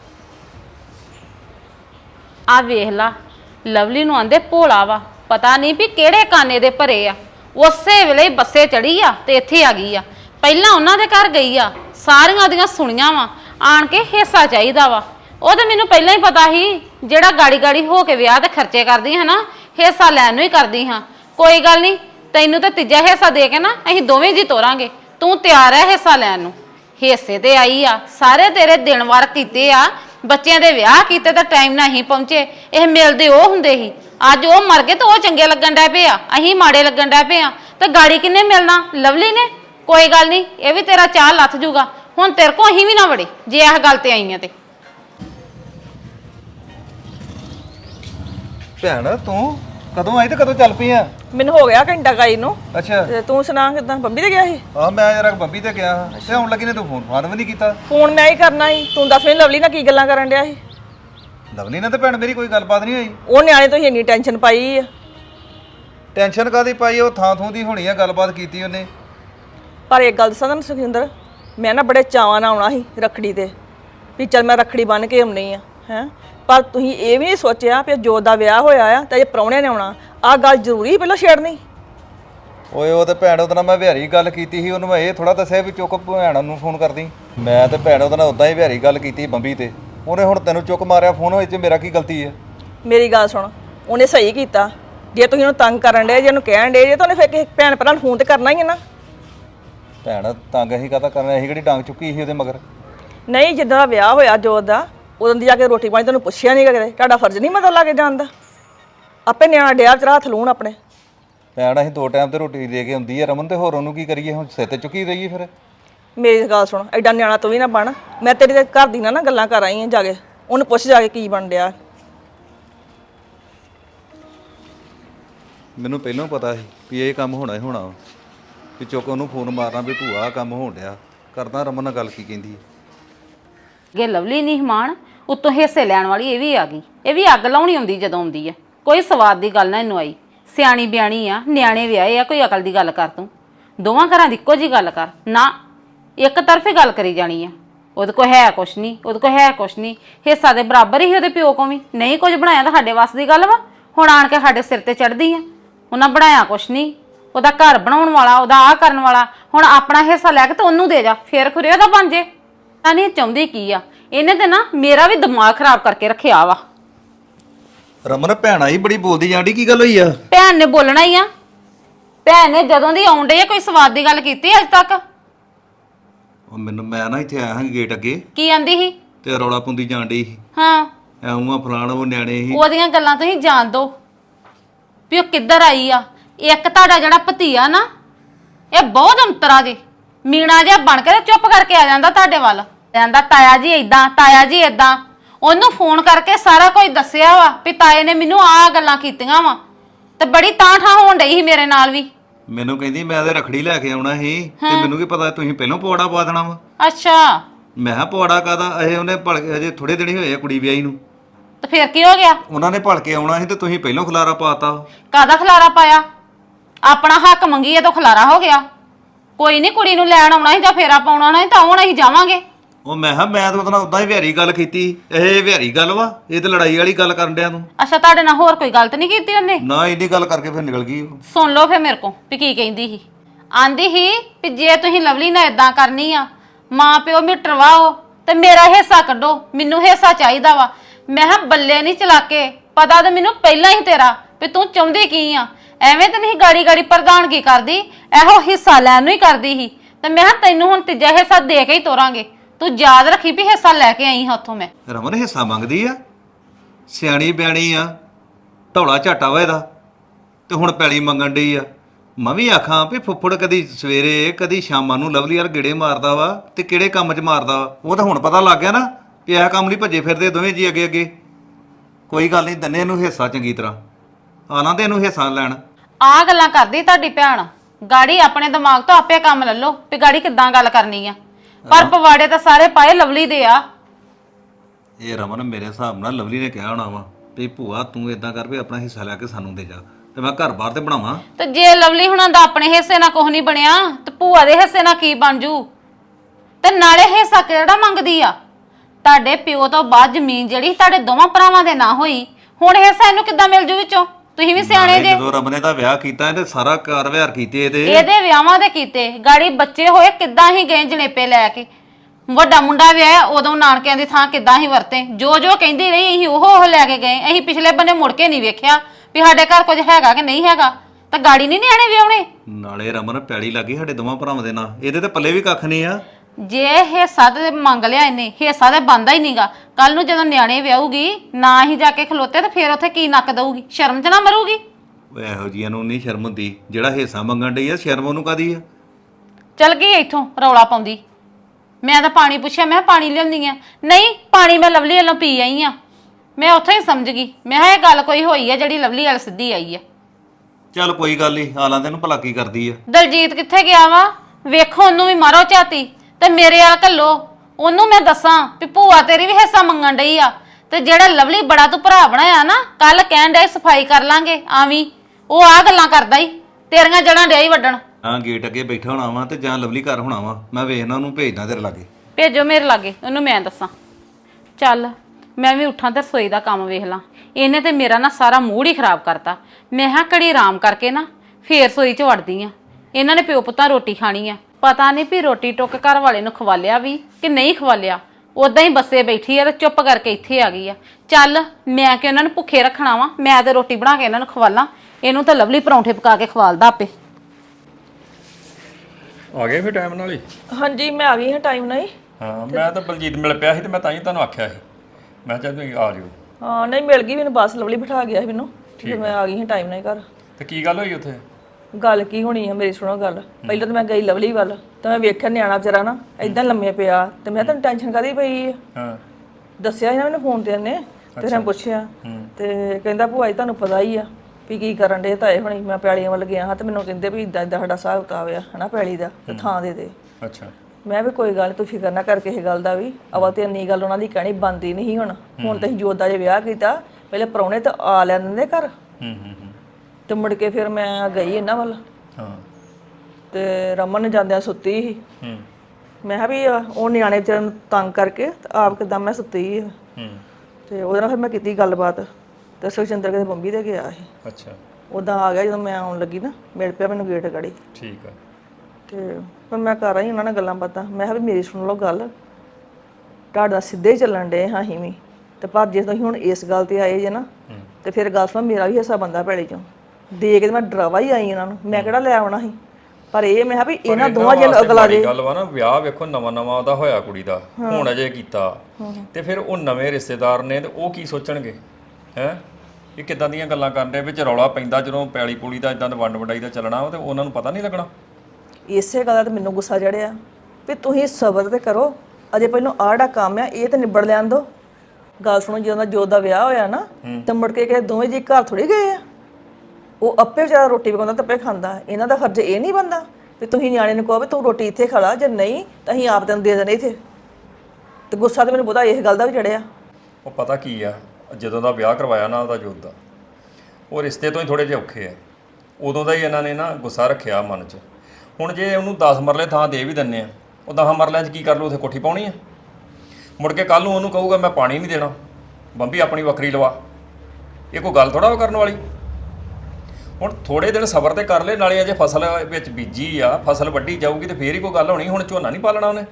Speaker 2: ਆ ਵੇਖ ਲਾ, ਲਵਲੀ ਨੂੰ ਆਂਦੇ ਭੋਲਾ ਵਾ, ਪਤਾ ਨਹੀਂ ਵੀ ਕਿਹੜੇ ਕਾਨੇ ਦੇ ਭਰੇ ਆ। ਉਸੇ ਵੇਲੇ ਬੱਸੇ ਚੜੀ ਆ ਤੇ ਇੱਥੇ ਆ ਗਈ ਆ। ਪਹਿਲਾਂ ਉਹਨਾਂ ਦੇ ਘਰ ਗਈ ਆ, ਸਾਰੀਆਂ ਉਹਦੀਆਂ ਸੁਣੀਆਂ ਵਾ, ਆਣ ਕੇ ਹਿੱਸਾ ਚਾਹੀਦਾ ਵਾ। ਉਹ ਤਾਂ ਮੈਨੂੰ ਪਹਿਲਾਂ ਹੀ ਪਤਾ ਸੀ, ਜਿਹੜਾ ਗਾੜੀ ਗਾੜੀ ਹੋ ਕੇ ਵਿਆਹ ਤੇ ਖਰਚੇ ਕਰਦੀ ਹਾਂ ਨਾ, ਹਿੱਸਾ ਲੈਣ ਨੂੰ ਹੀ ਕਰਦੀ ਹਾਂ। ਕੋਈ ਗੱਲ ਨਹੀਂ, ਤੈਨੂੰ ਤਾਂ ਤੀਜਾ ਹਿੱਸਾ ਦੇ ਕੇ ਨਾ ਅਸੀਂ ਦੋਵੇਂ ਜੀ ਤੋਰਾਂਗੇ। ਤੂੰ ਤਿਆਰ ਹੈ ਹਿੱਸਾ ਲੈਣ ਨੂੰ? ਹਿੱਸੇ ਤੇ ਆਈ ਆ, ਸਾਰੇ ਤੇਰੇ ਦਿਨ ਵਾਰ ਕੀਤੇ ਆ, ਬੱਚਿਆਂ ਦੇ ਵਿਆਹ ਕੀਤੇ ਤਾਂ ਟਾਈਮ ਨਾਲ ਹੀ ਪਹੁੰਚੇ। ਇਹ ਮਿਲਦੇ ਉਹ ਹੁੰਦੇ ਸੀ, ਅੱਜ ਉਹ ਮਰ ਗਏ ਤੇ ਉਹ ਚੰਗੇ ਲੱਗਣ ਡੈ ਪਏ ਆ, ਅਸੀਂ ਮਾੜੇ ਲੱਗਣ ਡੈ ਪਏ ਆ। ਤੇ ਗਾੜੀ ਕਿੰਨੇ ਮਿਲਣਾ? ਲਵਲੀ ਨੇ। ਕੋਈ ਗੱਲ ਨਹੀਂ, ਇਹ ਵੀ ਤੇਰਾ ਚਾਹ ਲੱਥ ਜੂਗਾ। ਹੁਣ ਤੇਰੇ ਕੋ ਅਸੀਂ ਵੀ ਨਾ ਵੜੇ ਜੇ ਇਹ ਗੱਲ ਤੇ ਆਈਆਂ ਤੇ।
Speaker 3: ਭੈਣ ਤੂੰ ਕਦੋਂ ਆਈ ਤੇ ਕਦੋਂ ਚੱਲ ਪਈ ਆ?
Speaker 1: ਮੈਨੂੰ ਹੋ ਗਿਆ ਘੰਟਾ ਕਾਈ ਨੂੰ।
Speaker 3: ਅੱਛਾ
Speaker 1: ਤੇ ਤੂੰ ਸੁਣਾ ਕਿਦਾਂ ਬੰਬੀ ਤੇ ਗਿਆ ਸੀ?
Speaker 3: ਆਹ ਮੈਂ ਯਾਰ ਬੰਬੀ ਤੇ ਗਿਆ ਹਾਂ ਤੇ ਆਉਣ ਲੱਗੀ ਨੇ ਤੂੰ ਫੋਨ ਫਾਨ ਵੀ ਨਹੀਂ ਕੀਤਾ।
Speaker 1: ਫੋਨ ਮੈਂ ਹੀ ਕਰਨਾ ਸੀ, ਤੂੰ ਦੱਸ ਮੈਨੂੰ ਲਵਲੀ ਨਾਲ ਕੀ ਗੱਲਾਂ ਕਰਨ ਡਿਆ ਸੀ?
Speaker 3: ਲਵਲੀ ਨਾਲ ਤੇ ਭੈਣ ਮੇਰੀ ਕੋਈ ਗੱਲਬਾਤ ਨਹੀਂ ਹੋਈ।
Speaker 1: ਉਹ ਨਿਆਣੇ ਤੋਂ ਹੀ ਇੰਨੀ ਟੈਨਸ਼ਨ ਪਾਈ ਆ।
Speaker 3: ਟੈਨਸ਼ਨ ਕਾਦੀ ਪਾਈ? ਉਹ ਥਾਂ ਥੂੰ ਦੀ ਹੋਣੀ ਆ, ਗੱਲਬਾਤ ਕੀਤੀ ਉਹਨੇ।
Speaker 1: ਪਰ ਇੱਕ ਗੱਲ ਦੱਸਾਂ ਤੈਨੂੰ ਸੁਖਿੰਦਰ, ਮੈਂ ਨਾ ਬੜੇ ਚਾਵਾਂ ਨਾਲ ਆਉਣਾ ਸੀ ਰੱਖੜੀ ਤੇ, ਵੀ ਚੱਲ ਮੈਂ ਰੱਖੜੀ ਬੰਨ੍ਹ ਕੇ ਆਉਣੀ ਆ ਹੈ। ਪਰ ਤੁਸੀਂ ਇਹ ਵੀ ਨਹੀਂ ਸੋਚਿਆ ਵੀ ਜੋਤ ਦਾ ਵਿਆਹ ਹੋਇਆ ਆ ਤੇ ਇਹ ਪ੍ਰਾਹੁਣਿਆਂ ਨੇ ਆਉਣਾ। ਆਹ ਗੱਲ ਜ਼ਰੂਰੀ ਪਹਿਲਾਂ ਛੇੜਨੀ।
Speaker 3: ਓਏ ਉਹ ਤੇ ਭੈਣ ਉਹਦੇ ਨਾਲ ਮੈਂ ਵਿਹਾਰੀ ਗੱਲ ਕੀਤੀ ਸੀ, ਉਹਨੂੰ ਮੈਂ ਇਹ ਥੋੜਾ ਦੱਸਿਆ ਵੀ ਚੁੱਕ ਭੈਣ ਨੂੰ ਫੋਨ ਕਰਦੀ। ਮੈਂ ਤੇ ਭੈਣ ਉਹਦੇ ਨਾਲ ਉਦਾਂ ਹੀ ਵਿਹਾਰੀ ਗੱਲ ਕੀਤੀ ਬੰਬੀ ਤੇ। ਉਹਨੇ ਹੁਣ ਤੈਨੂੰ ਚੁੱਕ ਮਾਰਿਆ ਫੋਨ, ਵਿੱਚ ਮੇਰਾ ਕੀ ਗਲਤੀ ਹੈ?
Speaker 1: ਮੇਰੀ ਗੱਲ ਸੁਣ, ਉਹਨੇ ਸਹੀ ਕੀਤਾ। ਜੇ ਤੁਸੀਂ ਉਹਨੂੰ ਤੰਗ ਕਰਨ ਡੇ, ਜੇ ਉਹਨੂੰ ਕਹਿਣ ਡੇ ਜੇ ਤਾਂ ਉਹਨੇ ਫਿਰ ਕਿਸੇ ਭੈਣ ਭਰਾ ਨੂੰ ਫੋਨ ਤੇ ਕਰਨਾ ਹੀ ਹੈ ਨਾ।
Speaker 3: ਭੈਣ ਤੰਗ ਅਸੀਂ ਕਾਹਦਾ ਕਰਨਾ? ਅਸੀਂ ਕਿਹੜੀ ਡਾਂਗ ਚੁੱਕੀ ਸੀ ਉਹਦੇ ਮਗਰ?
Speaker 1: ਨਹੀਂ, ਜਿੱਦਾਂ ਦਾ ਵਿਆਹ ਹੋਇਆ ਜੋਤ ਦਾ, ਉਦੋਂ ਦੀ ਜਾ ਕੇ ਰੋਟੀ ਪਾਣੀ ਤੁਹਾਨੂੰ ਪੁੱਛਿਆ ਨਹੀਂ ਕਦੇ। ਤੁਹਾਡਾ ਫਰਜ਼ ਨਹੀਂ ਮਤਲਬ ਲੱਗ ਜਾਣ ਦਾ? ਆਪੇ ਨਿਆਣਾ ਡਿਆ ਚ ਹੱਥ ਲੂਣ ਆਪਣੇ।
Speaker 3: ਭੈਣ ਅਸੀਂ ਦੋ ਟਾਈਮ ਤੇ ਰੋਟੀ ਦੇ ਕੇ ਹੁੰਦੀ ਹੈ ਰਮਨ, ਤੇ ਹੋਰ ਉਹਨੂੰ ਕੀ ਕਰੀਏ? ਹੁਣ ਸਿਰ ਤੇ ਚੁੱਕੀ ਰਹੀਏ ਫਿਰ।
Speaker 1: ਮੇਰੀ ਗੱਲ ਸੁਣ, ਐਡਾ ਨਿਆਣਾ ਤੂੰ ਵੀ ਨਾ ਬਣ। ਮੈਂ ਤੇਰੇ ਘਰ ਦੀ ਨਾ ਨਾ ਗੱਲਾਂ ਕਰ ਆਈ ਹਾਂ ਜਾ ਕੇ, ਉਹਨੂੰ ਪੁੱਛ ਜਾ ਕੇ ਕੀ ਬਣ ਡਿਆ।
Speaker 3: ਮੈਨੂੰ ਪਹਿਲਾਂ ਪਤਾ ਸੀ ਵੀ ਇਹ ਕੰਮ ਹੋਣਾ ਹੀ ਹੋਣਾ ਵਾ, ਵੀ ਚੁੱਕ ਉਹਨੂੰ ਫੋਨ ਮਾਰਨਾ ਵੀ ਭੂਆ ਆਹ ਕੰਮ ਹੋਣ ਡਿਆ। ਕਰਦਾ ਰਮਨ ਨਾਲ ਗੱਲ ਕੀ ਕਹਿੰਦੀ ਹੈ।
Speaker 2: ਗੇ ਲਵਲੀ ਨਹੀਂ ਮਾਣ, ਉੱਤੋਂ ਹਿੱਸੇ ਲੈਣ ਵਾਲੀ ਇਹ ਵੀ ਆ ਗਈ। ਇਹ ਵੀ ਅੱਗ ਲਾਉਣੀ ਆਉਂਦੀ ਜਦੋਂ ਆਉਂਦੀ ਆ। ਕੋਈ ਸਵਾਦ ਦੀ ਗੱਲ ਨਾ ਇਹਨੂੰ ਆਈ। ਸਿਆਣੀ ਬਿਆਣੀ ਆ, ਨਿਆਣੇ ਵਿਆਹੇ ਆ, ਕੋਈ ਅਕਲ ਦੀ ਗੱਲ ਕਰ ਤੂੰ। ਦੋਵਾਂ ਘਰਾਂ ਦੀ ਇੱਕੋ ਜੀ ਗੱਲ ਕਰ ਨਾ, ਇੱਕ ਤਰਫੇ ਗੱਲ ਕਰੀ ਜਾਣੀ ਆ। ਉਹਦੇ ਕੋਲ ਹੈ ਕੁਛ ਨਹੀਂ, ਉਹਦੇ ਕੋਲ ਹੈ ਕੁਛ ਨਹੀਂ। ਹਿੱਸਾ ਦੇ ਬਰਾਬਰ ਹੀ ਉਹਦੇ ਪਿਓ ਕੋਲ ਵੀ ਨਹੀਂ ਕੁਝ ਬਣਾਇਆ ਤਾਂ ਸਾਡੇ ਵੱਸ ਦੀ ਗੱਲ ਵਾ। ਹੁਣ ਆਣ ਕੇ ਸਾਡੇ ਸਿਰ ਤੇ ਚੜ੍ਹਦੀ ਆ। ਉਹਨਾਂ ਬਣਾਇਆ ਕੁਛ ਨਹੀਂ, ਉਹਦਾ ਘਰ ਬਣਾਉਣ ਵਾਲਾ, ਉਹਦਾ ਆਹ ਕਰਨ ਵਾਲਾ। ਹੁਣ ਆਪਣਾ ਹਿੱਸਾ ਲੈ ਕੇ ਤੇ ਉਹਨੂੰ ਦੇ ਜਾ, ਫੇਰ ਖੁਰੇ ਉਹਦਾ ਬਣ ਜੇ। ਤਾਂ ਨਹੀਂ ਚਾਹੁੰਦੀ ਕੀ ਆ ਇਹਨੇ ਤੇ ਨਾ ਮੇਰਾ ਵੀ ਦਿਮਾਗ ਖਰਾਬ ਕਰਕੇ ਰੱਖਿਆ ਵਾ।
Speaker 3: ਰਮਨ ਭੈਣ ਆਈ ਬੜੀ ਬੋਲਦੀ ਜਾਂਦੀ, ਕੀ ਗੱਲ ਹੋਈ ਆ?
Speaker 2: ਭੈਣ ਨੇ ਬੋਲਣਾ ਹੀ ਆ। ਭੈਣ ਨੇ ਜਦੋਂ ਦੀ ਆਉਣ ਡਈ ਆ ਕੋਈ ਸਵਾਦ ਦੀ ਗੱਲ ਕੀਤੀ ਅੱਜ ਤੱਕ?
Speaker 3: ਉਹ ਮੈਨੂੰ, ਮੈਂ ਨਾ ਇੱਥੇ ਆਇਆ ਹਾਂ ਗੇਟ ਅੱਗੇ,
Speaker 2: ਕੀ ਆਂਦੀ ਸੀ?
Speaker 3: ਤੇ ਰੌਲਾ ਪੁੰਦੀ ਜਾਂਦੀ ਸੀ।
Speaker 2: ਹਾਂ,
Speaker 3: ਐਉਂ ਫਲਾਣ ਉਹ ਨਿਆਣੇ ਸੀ।
Speaker 2: ਉਹਦੀਆਂ ਗੱਲਾਂ ਤੁਸੀਂ ਜਾਣ ਦੋ ਵੀ ਉਹ ਕਿੱਧਰ ਆਈ ਆ। ਇੱਕ ਤੁਹਾਡਾ ਜਿਹੜਾ ਭਤੀਆ ਨਾ, ਇਹ ਬਹੁਤ ਅੰਤਰਾ ਜੇ ਮੀਣਾ ਜਿਹਾ ਬਣ ਕੇ ਤੇ ਚੁੱਪ ਕਰਕੇ ਆ ਜਾਂਦਾ ਤੁਹਾਡੇ ਵੱਲ। ਕਹਿੰਦਾ ਤਾਇਆ ਜੀ ਏਦਾਂ, ਤਾਇਆ ਜੀ ਏਦਾਂ। ਉਹਨੂੰ ਫੋਨ ਕਰਕੇ ਸਾਰਾ ਕੁਝ ਦੱਸਿਆ ਵਾ ਵੀ ਤਾਏ ਨੇ ਮੈਨੂੰ ਆਹ ਗੱਲਾਂ ਕੀਤੀਆਂ ਵਾ, ਤੇ ਬੜੀ ਤਾਂ ਠਾਂ ਹੋਣ ਡਈ ਸੀ ਮੇਰੇ ਨਾਲ ਵੀ।
Speaker 3: ਮੈਨੂੰ ਕਹਿੰਦੀ ਮੈਂ ਤੇ ਰਖੜੀ ਲੈ ਕੇ ਆਉਣਾ ਸੀ, ਤੇ ਮੈਨੂੰ ਕੀ ਪਤਾ ਤੁਸੀਂ ਪਹਿਲਾਂ ਪੌੜਾ ਪਾ ਦੇਣਾ ਵਾ।
Speaker 2: ਅੱਛਾ,
Speaker 3: ਮੈਂ ਕਿਹਾ ਪੌੜਾ ਕਾਦਾ? ਅਜੇ ਉਹਨੇ ਭਲ ਅਜੇ ਥੋੜੇ ਦਿਨ ਹੀ ਹੋਏ ਆ ਕੁੜੀ ਵਿਆਹੀ ਨੂੰ।
Speaker 2: ਤੇ ਫੇਰ ਕੀ ਹੋ ਗਿਆ?
Speaker 3: ਉਹਨਾਂ ਨੇ ਭਲ ਕੇ ਆਉਣਾ ਸੀ ਤੇ ਤੁਸੀਂ ਪਹਿਲਾਂ ਖਲਾਰਾ ਪਾਤਾ।
Speaker 2: ਕਾਦਾ ਖਲਾਰਾ ਪਾਇਆ? ਆਪਣਾ ਹੱਕ ਮੰਗੀਏ ਤਾਂ ਖਲਾਰਾ ਹੋ ਗਿਆ। ਕੋਈ ਨਹੀਂ, ਕੁੜੀ ਨੂੰ ਲੈਣ ਆਉਣਾ ਸੀ ਜਾਂ ਫੇਰਾ ਪਾਉਣਾ ਸੀ ਤਾਂ ਹੁਣ ਅਸੀਂ ਜਾਵਾਂਗੇ।
Speaker 3: ਉਹ ਮੈਂ ਕਿਹਾ ਮੈਂ ਤਾਂ ਉਹਦੇ ਨਾਲ ਉਦਾਂ ਹੀ ਵਿਹਾਰੀ ਗੱਲ ਕੀਤੀ। ਇਹ ਵਿਹਾਰੀ ਗੱਲ ਵਾ? ਇਹ ਤੇ ਲੜਾਈ ਵਾਲੀ ਗੱਲ ਕਰਨ ਡਿਆ ਤੂੰ।
Speaker 2: ਅੱਛਾ, ਤੁਹਾਡੇ ਨਾਲ ਹੋਰ ਕੋਈ ਗਲਤ ਨਹੀਂ ਕੀਤੀ ਉਹਨੇ?
Speaker 3: ਨਾ, ਇੰਨੀ ਗੱਲ ਕਰਕੇ ਫਿਰ ਨਿਕਲ ਗਈ ਉਹ।
Speaker 2: ਸੁਣ ਲਓ ਫਿਰ ਮੇਰੇ ਕੋ ਵੀ ਕੀ ਕਹਿੰਦੀ ਸੀ। ਆਂਦੀ ਸੀ ਵੀ ਜੇ ਤੁਸੀਂ ਲਵਲੀ ਨਾਲ ਇਦਾਂ ਕਰਨੀ ਆ, ਮਾਂ ਪਿਓ ਮਿਟਰਵਾਓ ਤੇ ਮੇਰਾ ਹਿੱਸਾ ਕੱਢੋ, ਮੈਨੂੰ ਹਿੱਸਾ ਚਾਹੀਦਾ ਵਾ। ਮੈਂ ਕਿਹਾ ਬੱਲੇ ਨਹੀਂ ਚਲਾਕੇ, ਪਤਾ ਤਾਂ ਮੈਨੂੰ ਪਹਿਲਾਂ ਹੀ ਤੇਰਾ ਵੀ ਤੂੰ ਚਾਹੁੰਦੀ ਕੀ ਆ। ਐਵੇਂ ਤਾਂ ਨਹੀਂ ਗਾੜੀ ਗਾੜੀ ਪ੍ਰਧਾਨਗੀ ਕਰਦੀ, ਇਹੋ ਹਿੱਸਾ ਲੈਣ ਨੂੰ ਹੀ ਕਰਦੀ ਸੀ। ਤੇ ਮੈਂ ਕਿਹਾ ਤੈਨੂੰ ਹੁਣ ਤੀਜਾ ਹਿੱਸਾ ਦੇ ਕੇ ਹੀ ਤੋਰਾਂਗੇ। ਤੂੰ ਯਾਦ ਰੱਖੀ ਵੀ ਹਿੱਸਾ ਲੈ ਕੇ ਆਈ ਹਾਂ ਉੱਥੋਂ ਮੈਂ।
Speaker 3: ਰਮਨ ਹਿੱਸਾ ਮੰਗਦੀ ਆ? ਸਿਆਣੀ ਬਿਆਣੀ ਆ, ਢੌਲਾ ਝਾਟਾ ਵਾ ਇਹਦਾ, ਤੇ ਹੁਣ ਪੈਲੀ ਮੰਗਣ ਡਈ ਆ। ਮੈਂ ਵੀ ਆਖਾਂ ਵੀ ਫੁੱਫੜ ਕਦੀ ਸਵੇਰੇ ਕਦੀ ਸ਼ਾਮਾਂ ਨੂੰ ਲਵਲੀ ਯਾਰ ਗੇੜੇ ਮਾਰਦਾ ਵਾ, ਤੇ ਕਿਹੜੇ ਕੰਮ 'ਚ ਮਾਰਦਾ ਵਾ। ਉਹ ਤਾਂ ਹੁਣ ਪਤਾ ਲੱਗ ਗਿਆ ਨਾ ਵੀ ਇਹ ਕੰਮ ਨਹੀਂ ਭੱਜੇ ਫਿਰਦੇ ਦੋਵੇਂ ਜੀ ਅੱਗੇ ਅੱਗੇ। ਕੋਈ ਗੱਲ ਨਹੀਂ, ਦੰਨੇ ਇਹਨੂੰ ਹਿੱਸਾ ਚੰਗੀ ਤਰ੍ਹਾਂ ਆਣਾ ਤੇ ਇਹਨੂੰ ਹਿੱਸਾ ਲੈਣ।
Speaker 2: ਆਹ ਗੱਲਾਂ ਕਰਦੀ ਤੁਹਾਡੀ ਭੈਣ। ਗਾੜੀ ਆਪਣੇ ਦਿਮਾਗ ਤੋਂ ਆਪੇ ਕੰਮ ਲੈ ਲਓ ਵੀ ਗਾੜੀ ਕਿੱਦਾਂ ਗੱਲ ਕਰਨੀ ਆ। ਪਰ ਪਵਾੜੇ ਤਾਂ ਸਾਰੇ ਪਾਏ ਲਵਲੀ ਦੇ ਆ।
Speaker 3: ਇਹ ਰਮਨ ਮੇਰੇ ਹਿਸਾਬ ਨਾਲ ਲਵਲੀ ਨੇ ਕਿਹਾ ਹੋਣਾ ਵਾ ਵੀ ਭੂਆ ਤੂੰ ਇਦਾਂ ਕਰ ਵੀ ਆਪਣਾ ਹਿੱਸਾ ਲੈ ਕੇ ਸਾਨੂੰ ਦੇ ਜਾ, ਤੇ ਮੈਂ ਘਰ ਬਾਹਰ ਤੇ ਬਣਾਵਾਂ। ਤੇ
Speaker 2: ਜੇ ਲਵਲੀ ਹੁਣਾਂ ਦਾ ਆਪਣੇ ਹਿੱਸੇ ਨਾਲ ਕੁਝ ਨਹੀਂ ਬਣਿਆ ਤੇ ਭੂਆ ਦੇ ਹਿੱਸੇ ਨਾਲ ਕੀ ਬਣ ਜੂ? ਤੇ ਨਾਲੇ ਹਿੱਸਾ ਕਿਹੜਾ ਮੰਗਦੀ ਆ? ਤੁਹਾਡੇ ਪਿਓ ਤੋਂ ਬਾਅਦ ਜ਼ਮੀਨ ਜਿਹੜੀ ਤੁਹਾਡੇ ਦੋਵਾਂ ਭਰਾਵਾਂ ਦੇ ਨਾਂ ਹੋਈ, ਹੁਣ ਹਿੱਸਾ ਇਹਨੂੰ ਕਿੱਦਾਂ ਮਿਲ ਜੂ ਵਿੱਚੋਂ? ਤੁਸੀਂ ਵੀ ਸਿਆਣੇ ਜੇ।
Speaker 3: ਜਦੋਂ ਰੱਬ ਨੇ ਤਾਂ ਵਿਆਹ ਕੀਤਾ ਤੇ ਸਾਰਾ ਕਾਰ ਵਿਹਾਰ ਕੀਤੇ ਇਹਦੇ
Speaker 2: ਇਹਦੇ ਵਿਆਹਾਂ ਦੇ ਕੀਤੇ। ਗਾੜੀ ਬੱਚੇ ਹੋਏ ਕਿੱਦਾਂ ਹੀ ਗਏ ਜਣੇਪੇ ਲੈ ਕੇ। ਵੱਡਾ ਮੁੰਡਾ ਵਿਆਹਿਆ ਉਦੋਂ ਨਾਨਕਿਆਂ ਦੀ ਥਾਂ ਕਿੱਦਾਂ ਹੀ ਵਰਤੇ। ਜੋ ਜੋ ਕਹਿੰਦੀ ਰਹੀ ਅਸੀਂ ਉਹ ਉਹ ਲੈ ਕੇ ਗਏ। ਅਸੀਂ ਪਿਛਲੇ ਬੰਨੇ ਮੁੜ ਕੇ ਨਹੀਂ ਵੇਖਿਆ ਵੀ ਸਾਡੇ ਘਰ ਕੁਝ ਹੈਗਾ ਕਿ ਨਹੀਂ ਹੈਗਾ। ਤਾਂ ਗਾੜੀ ਨਹੀਂ ਨਿਆਣੇ ਵਿਆਹੁਣੇ।
Speaker 3: ਨਾਲੇ ਰਮਨ ਪੈੜੀ ਲੱਗੀ ਸਾਡੇ ਦੋਵਾਂ ਭਰਾਵਾਂ ਦੇ ਨਾਂ, ਇਹਦੇ ਤੇ ਪੱਲੇ ਵੀ ਕੱਖ ਨਹੀਂ ਆ।
Speaker 2: ਜੇ ਹਿੱਸਾ ਤੇ ਮੰਗ ਲਿਆ ਇਹਨੇ, ਹਿੱਸਾ ਤੇ ਬੰਦਾ ਹੀ ਨਹੀਂਗਾ। ਕੱਲ ਨੂੰ ਜਦੋਂ ਨਿਆਣੇ ਵਿਆਹੂਗੀ ਨਾ ਹੀ ਜਾ ਕੇ ਖਲੋਤੇ ਤੇ ਫਿਰ ਉੱਥੇ ਕੀ ਨੱਕ ਦਊਗੀ? ਸ਼ਰਮ ਚ ਨਾ ਮਰੂਗੀ?
Speaker 3: ਓਏ ਇਹੋ ਜੀਆਂ ਨੂੰ ਨਹੀਂ ਸ਼ਰਮ ਹੁੰਦੀ। ਜਿਹੜਾ ਹਿੱਸਾ ਮੰਗਣ ਡਈ ਆ ਸ਼ਰਮ ਉਹਨੂੰ ਕਾਦੀ ਆ?
Speaker 2: ਚਲ ਗਈ ਇੱਥੋਂ ਰੌਲਾ ਪਾਉਂਦੀ। ਮੈਂ ਤਾਂ ਪਾਣੀ ਪੁੱਛਿਆ, ਮੈਂ ਪਾਣੀ ਲਿਆਉਂਦੀ ਆ। ਨਹੀਂ, ਪਾਣੀ ਮੈਂ ਲਵਲੀ ਵੱਲੋਂ ਪੀ ਆਈ ਆ। ਮੈਂ ਉੱਥੇ ਹੀ ਸਮਝ ਗਈ, ਮੈਂ ਕਿਹਾ ਇਹ ਗੱਲ ਕੋਈ ਹੋਈ ਆ ਜਿਹੜੀ ਲਵਲੀ ਵਾਲ ਸਿੱਧੀ ਆਈ ਆ।
Speaker 3: ਚੱਲ ਕੋਈ ਗੱਲ ਨਹੀਂ, ਆਲਾਂ ਤੈਨੂੰ ਭਲਾ ਕੀ ਕਰਦੀ ਆ।
Speaker 2: ਦਲਜੀਤ ਕਿੱਥੇ ਗਿਆ ਵਾ? ਵੇਖੋ ਉਹਨੂੰ ਵੀ ਮਾਰੋ ਝਾਤੀ ਤੇ ਮੇਰੇ ਵਾਲ ਘੱਲੋ, ਉਹਨੂੰ ਮੈਂ ਦੱਸਾਂ ਵੀ ਭੂਆ ਤੇਰੀ ਵੀ ਹਿੱਸਾ ਮੰਗਣ ਡਈ ਆ। ਤੇ ਜਿਹੜਾ ਲਵਲੀ ਬੜਾ ਤੂੰ ਭਰਾ ਬਣਾਇਆ ਨਾ, ਕੱਲ ਕਹਿਣ ਡਿਆ ਸਫਾਈ ਕਰ ਲਾਂਗੇ, ਆਵੀਂ ਉਹ ਆ ਗੱਲਾਂ ਕਰਦਾ ਹੀ, ਤੇਰੀਆਂ ਜੜਾਂ ਡਿਆ ਹੀ ਵੱਢਣ।
Speaker 3: ਹਾਂ ਗੇਟ ਅੱਗੇ ਬੈਠਾ ਹੋਣਾ ਵਾ ਤੇ ਜਾਂ ਲਵਲੀ ਘਰ ਹੋਣਾ ਵਾ, ਮੈਂ ਵੇਖਣਾ ਉਹਨੂੰ ਭੇਜਦਾ ਤੇਰੇ ਲਾਗੇ।
Speaker 2: ਭੇਜੋ ਮੇਰੇ ਲਾਗੇ, ਉਹਨੂੰ ਮੈਂ ਦੱਸਾਂ। ਚੱਲ ਮੈਂ ਵੀ ਉੱਠਾਂ ਤੇ ਰਸੋਈ ਦਾ ਕੰਮ ਵੇਖ ਲਾਂ। ਇਹਨੇ ਤੇ ਮੇਰਾ ਨਾ ਸਾਰਾ ਮੂਡ ਹੀ ਖਰਾਬ ਕਰਤਾ। ਮੈਂ ਹਾਂ ਘੜੀ ਆਰਾਮ ਕਰਕੇ ਨਾ ਫੇਰ ਰਸੋਈ 'ਚ ਵੜਦੀ ਆ। ਇਹਨਾਂ ਨੇ ਪਿਓ ਪੁੱਤਾਂ ਰੋਟੀ ਖਾਣੀ ਆ, ਪਤਾ ਨਹੀਂ ਵੀ ਰੋਟੀ ਟੁੱਕ ਘਰ ਵਾਲੇ ਨੂੰ ਖਵਾਲਿਆ ਵੀ ਕਿ ਨਹੀਂ ਖਵਾਲਿਆ। ਉਦਾਂ ਹੀ ਬੱਸੇ ਬੈਠੀ ਆ ਤੇ ਚੁੱਪ ਕਰਕੇ ਇੱਥੇ ਆ ਗਈ ਆ। ਚੱਲ ਮੈਂ ਕਿ ਉਹਨਾਂ ਨੂੰ ਭੁੱਖੇ ਰੱਖਣਾ ਵਾ, ਮੈਂ ਤੇ ਰੋਟੀ ਬਣਾ ਕੇ ਇਹਨਾਂ ਨੂੰ ਖਵਾਲਾਂ। ਇਹਨੂੰ ਤਾਂ ਲਵਲੀ ਪਰੌਂਠੇ ਪਕਾ ਕੇ ਖਵਾਲਦਾ ਆਪੇ।
Speaker 4: ਆ ਗਏ ਫਿਰ ਟਾਈਮ ਨਾਲ ਹੀ?
Speaker 1: ਹਾਂਜੀ ਮੈਂ ਆ ਗਈ ਹਾਂ ਟਾਈਮ ਨਾਲ ਹੀ।
Speaker 4: ਹਾਂ ਮੈਂ ਤਾਂ ਬਲਜੀਤ ਮਿਲ ਪਿਆ ਸੀ ਤੇ ਮੈਂ ਤਾਂ ਹੀ ਤੁਹਾਨੂੰ ਆਖਿਆ ਸੀ, ਮੈਂ ਕਿਹਾ ਤੁਸੀਂ ਆ ਜਿਓ।
Speaker 1: ਹਾਂ ਨਹੀਂ ਮਿਲ ਗਈ ਮੈਨੂੰ, ਬੱਸ ਲਵਲੀ ਬਿਠਾ ਗਿਆ ਸੀ ਮੈਨੂੰ, ਤੇ ਮੈਂ ਆ ਗਈ ਹਾਂ ਟਾਈਮ ਨਾਲ ਹੀ ਘਰ।
Speaker 4: ਤੇ ਕੀ ਗੱਲ ਹੋਈ ਉੱਥੇ?
Speaker 1: ਗੱਲ ਕੀ ਹੋਣੀ ਆ, ਮੇਰੀ ਸੁਣੋ ਗੱਲ। ਪਹਿਲਾਂ ਤਾਂ ਮੈਂ ਗਈ ਲਵਲੀ ਵੱਲ, ਤਾਂ ਮੈਂ ਵੇਖਿਆ ਨਿਆਣਾ ਵਿਚਾਰਾ ਨਾ ਏਦਾਂ ਲੰਮੇ ਪਿਆ, ਤੇ ਮੈਂ ਤੈਨੂੰ ਟੈਨਸ਼ਨ ਕਾਹਦੀ ਪਈ ਆ।
Speaker 4: ਹਾਂ
Speaker 1: ਦੱਸਿਆ ਸੀ ਨਾ ਮੈਨੂੰ ਫੋਨ ਤੇ ਉਹਨੇ, ਤੇ ਮੈਂ ਪੁੱਛਿਆ ਤੇ ਕਹਿੰਦਾ ਭੂਆ ਜੀ ਤੁਹਾਨੂੰ ਪਤਾ ਹੀ ਆ ਵੀ ਕੀ ਕਰਨ ਦੇ ਤਾਏ ਹੁਣੀ। ਮੈਂ ਪੈਲੀਆਂ ਵੱਲ ਗਿਆ ਹਾਂ ਤੇ ਮੈਨੂੰ ਕਹਿੰਦੇ ਵੀ ਇਦਾਂ ਇਦਾਂ ਸਾਡਾ ਹਿਸਾਬ ਕਿਤਾਬ ਆ ਹਨਾ ਪੈਲੀ ਦਾ, ਤੇ ਥਾਂ ਦੇ ਦੇ।
Speaker 4: ਅੱਛਾ
Speaker 1: ਮੈਂ ਵੀ ਕੋਈ ਗੱਲ ਨੀ, ਤੂੰ ਫਿਕਰ ਨਾ ਕਰ ਕਿਸੇ ਗੱਲ ਦਾ ਵੀ। ਅਵਲ ਤੇ ਇੰਨੀ ਗੱਲ ਉਹਨਾਂ ਦੀ ਕਹਿਣੀ ਬਣਦੀ ਨਹੀਂ। ਹੁਣ ਹੁਣ ਤੇ ਅਸੀਂ ਜੋਦਾ ਜੇ ਵਿਆਹ ਕੀਤਾ, ਪਹਿਲੇ ਪ੍ਰਾਹੁਣੇ ਤਾਂ ਆ ਲੈਂਦੇ ਘਰ,
Speaker 4: ਹੂੰ ਹੂੰ ਹੂੰ
Speaker 1: ਤੇ ਮੁੜ ਕੇ ਫਿਰ ਮੈਂ ਗਈ ਇਹਨਾਂ ਵੱਲ,
Speaker 4: ਹਾਂ
Speaker 1: ਤੇ ਰਮਨ ਨੇ ਜਾਂਦਿਆਂ ਸੁੱਤੀ ਸੀ।
Speaker 4: ਹੂੰ
Speaker 1: ਮੈਂ ਕਿਹਾ ਵੀ ਉਹ ਨਿਆਣੇ ਚ ਤੰਗ ਕਰਕੇ ਤੇ ਆਪ ਕਿਦਾਂ ਮੈਂ ਸੁੱਤੀ ਸੀ।
Speaker 4: ਹੂੰ
Speaker 1: ਤੇ ਉਹਦੇ ਨਾਲ ਫਿਰ ਮੈਂ ਕੀਤੀ ਗੱਲਬਾਤ, ਤੇ ਸੁਖਜਿੰਦਰ ਕਿਤੇ ਬੰਬੀ ਤੇ ਗਿਆ ਸੀ।
Speaker 4: ਅੱਛਾ
Speaker 1: ਉਦਾਂ ਆ ਗਿਆ ਜਦੋਂ ਮੈਂ ਆਉਣ ਲੱਗੀ ਨਾ, ਮਿਲ ਪਿਆ ਮੈਨੂੰ ਗੇਟ ਗੜੀ।
Speaker 4: ਠੀਕ ਆ।
Speaker 1: ਤੇ ਫਿਰ ਮੈਂ ਕਰ ਆਈ ਉਹਨਾਂ ਨਾਲ ਗੱਲਾਂ ਬਾਤਾਂ। ਮੈਂ ਕਿਹਾ ਵੀ ਮੇਰੀ ਸੁਣ ਲਓ ਗੱਲ, ਤੁਹਾਡਾ ਸਿੱਧੇ ਹੀ ਚੱਲਣ ਡੇ ਹਾਂ ਅਸੀਂ ਵੀ, ਤੇ ਪਰ ਜੇ ਤੁਸੀਂ ਹੁਣ ਇਸ ਗੱਲ ਤੇ ਆਏ ਜੇ ਨਾ, ਤੇ ਫਿਰ ਗੱਲ ਸੁਣ ਮੇਰਾ ਵੀ ਹਿੱਸਾ ਬੰਦਾ ਪੈਲੀ ਚੋਂ ਦੇ ਕੇ। ਮੈਂ ਡਰਾਵਾ ਹੀ ਆਈ ਇਹਨਾਂ ਨੂੰ, ਮੈਂ ਕਿਹੜਾ ਲੈ ਆਉਣਾ ਸੀ। ਪਰ ਇਹ ਮੈਂ ਕਿਹਾ ਵੀ ਇਹਨਾਂ ਦੋਵਾਂ ਜੇ ਅਗਲਾ ਦੇ
Speaker 4: ਗੱਲ ਵਾ ਨਾ, ਵਿਆਹ ਵੇਖੋ ਨਵਾਂ ਨਵਾਂ ਉਹਦਾ ਹੋਇਆ ਕੁੜੀ ਦਾ, ਹੁਣ ਅਜੇ ਕੀਤਾ, ਤੇ ਫਿਰ ਉਹ ਨਵੇਂ ਰਿਸ਼ਤੇਦਾਰ ਨੇ ਤੇ ਉਹ ਕੀ ਸੋਚਣਗੇ ਹੈ? ਇਹ ਕਿੱਦਾਂ ਦੀਆਂ ਗੱਲਾਂ ਕਰਦੇ ਵਿੱਚ ਰੌਲਾ ਪੈਂਦਾ ਜਦੋਂ ਪੈਲੀ ਪੂਲੀ ਦਾ ਇਦਾਂ ਦਾ ਵੰਡ ਵਡਾਈ ਦਾ ਚੱਲਣਾ, ਉਹ ਤੇ ਉਹਨਾਂ ਨੂੰ ਪਤਾ ਨਹੀਂ ਲੱਗਣਾ।
Speaker 1: ਇਸੇ ਗੱਲ ਦਾ ਤੇ ਮੈਨੂੰ ਗੁੱਸਾ ਚੜਿਆ ਵੀ ਤੁਸੀਂ ਸਬਰ ਤੇ ਕਰੋ, ਅਜੇ ਪਹਿਲਾਂ ਆਹ ਜਿਹੜਾ ਕੰਮ ਆ ਇਹ ਤੇ ਨਿਬੜ ਲੈਣ ਦੋ। ਗੱਲ ਸੁਣੋ, ਜਦੋਂ ਦਾ ਜੋਤ ਦਾ ਵਿਆਹ ਹੋਇਆ ਨਾ, ਤੇ ਮੁੜ ਕੇ ਕਿਸੇ ਦੋਵੇਂ ਜੀ ਘਰ ਥੋੜੀ ਗਏ ਆ। ਉਹ ਆਪੇ ਵਿਚਾਰਾ ਰੋਟੀ ਪਕਾਉਂਦਾ ਤੇ ਆਪੇ ਖਾਂਦਾ। ਇਹਨਾਂ ਦਾ ਫਰਜ਼ ਇਹ ਨਹੀਂ ਬਣਦਾ ਵੀ ਤੁਸੀਂ ਨਿਆਣੇ ਨੂੰ ਕਹੋ ਵੀ ਤੂੰ ਰੋਟੀ ਇੱਥੇ ਖਾ ਲਾ, ਜੇ ਨਹੀਂ ਤਾਂ ਅਸੀਂ ਆਪ ਤੈਨੂੰ ਦੇ ਦੇਣੇ ਇੱਥੇ। ਤੇ ਗੁੱਸਾ ਤੇ ਮੈਨੂੰ ਬਹੁਤਾ ਇਸ ਗੱਲ ਦਾ ਵੀ ਚੜਿਆ।
Speaker 4: ਉਹ ਪਤਾ ਕੀ ਆ, ਜਦੋਂ ਦਾ ਵਿਆਹ ਕਰਵਾਇਆ ਨਾ ਉਹਦਾ ਜੋਤ ਦਾ, ਉਹ ਰਿਸ਼ਤੇ ਤੋਂ ਹੀ ਥੋੜੇ ਜਿਹੇ ਔਖੇ ਆ। ਉਦੋਂ ਦਾ ਹੀ ਇਹਨਾਂ ਨੇ ਨਾ ਗੁੱਸਾ ਰੱਖਿਆ ਮਨ 'ਚ। ਹੁਣ ਜੇ ਉਹਨੂੰ ਦਸ ਮਰਲੇ ਥਾਂ ਦੇ ਵੀ ਦਿੰਦੇ ਆ, ਉਹ ਦਸਾਂ ਮਰਲਿਆਂ 'ਚ ਕੀ ਕਰ ਲੂ? ਉੱਥੇ ਕੋਠੀ ਪਾਉਣੀ ਆ। ਮੁੜ ਕੇ ਕੱਲ ਨੂੰ ਉਹਨੂੰ ਕਹੂਗਾ ਮੈਂ ਪਾਣੀ ਨਹੀਂ ਦੇਣਾ, ਬੰਬੀ ਆਪਣੀ ਵੱਖਰੀ ਲਵਾ। ਇਹ ਕੋਈ ਗੱਲ ਥੋੜਾ ਕਰਨ ਵਾਲੀ। ਹੁਣ ਥੋੜੇ ਦਿਨ ਸਬਰ ਤੇ ਕਰ ਲੈ, ਨਾਲੇ ਅਜੇ ਫਸਲ ਵਿੱਚ ਬੀਜੀ ਆ, ਫਸਲ ਵੱਢੀ ਜਾਊਗੀ ਤੇ ਫੇਰ ਹੀ ਕੋਈ ਗੱਲ ਹੋਣੀ। ਹੁਣ ਝੋਨਾ ਨਹੀਂ ਪਾਲਣਾ ਉਹਨੇ।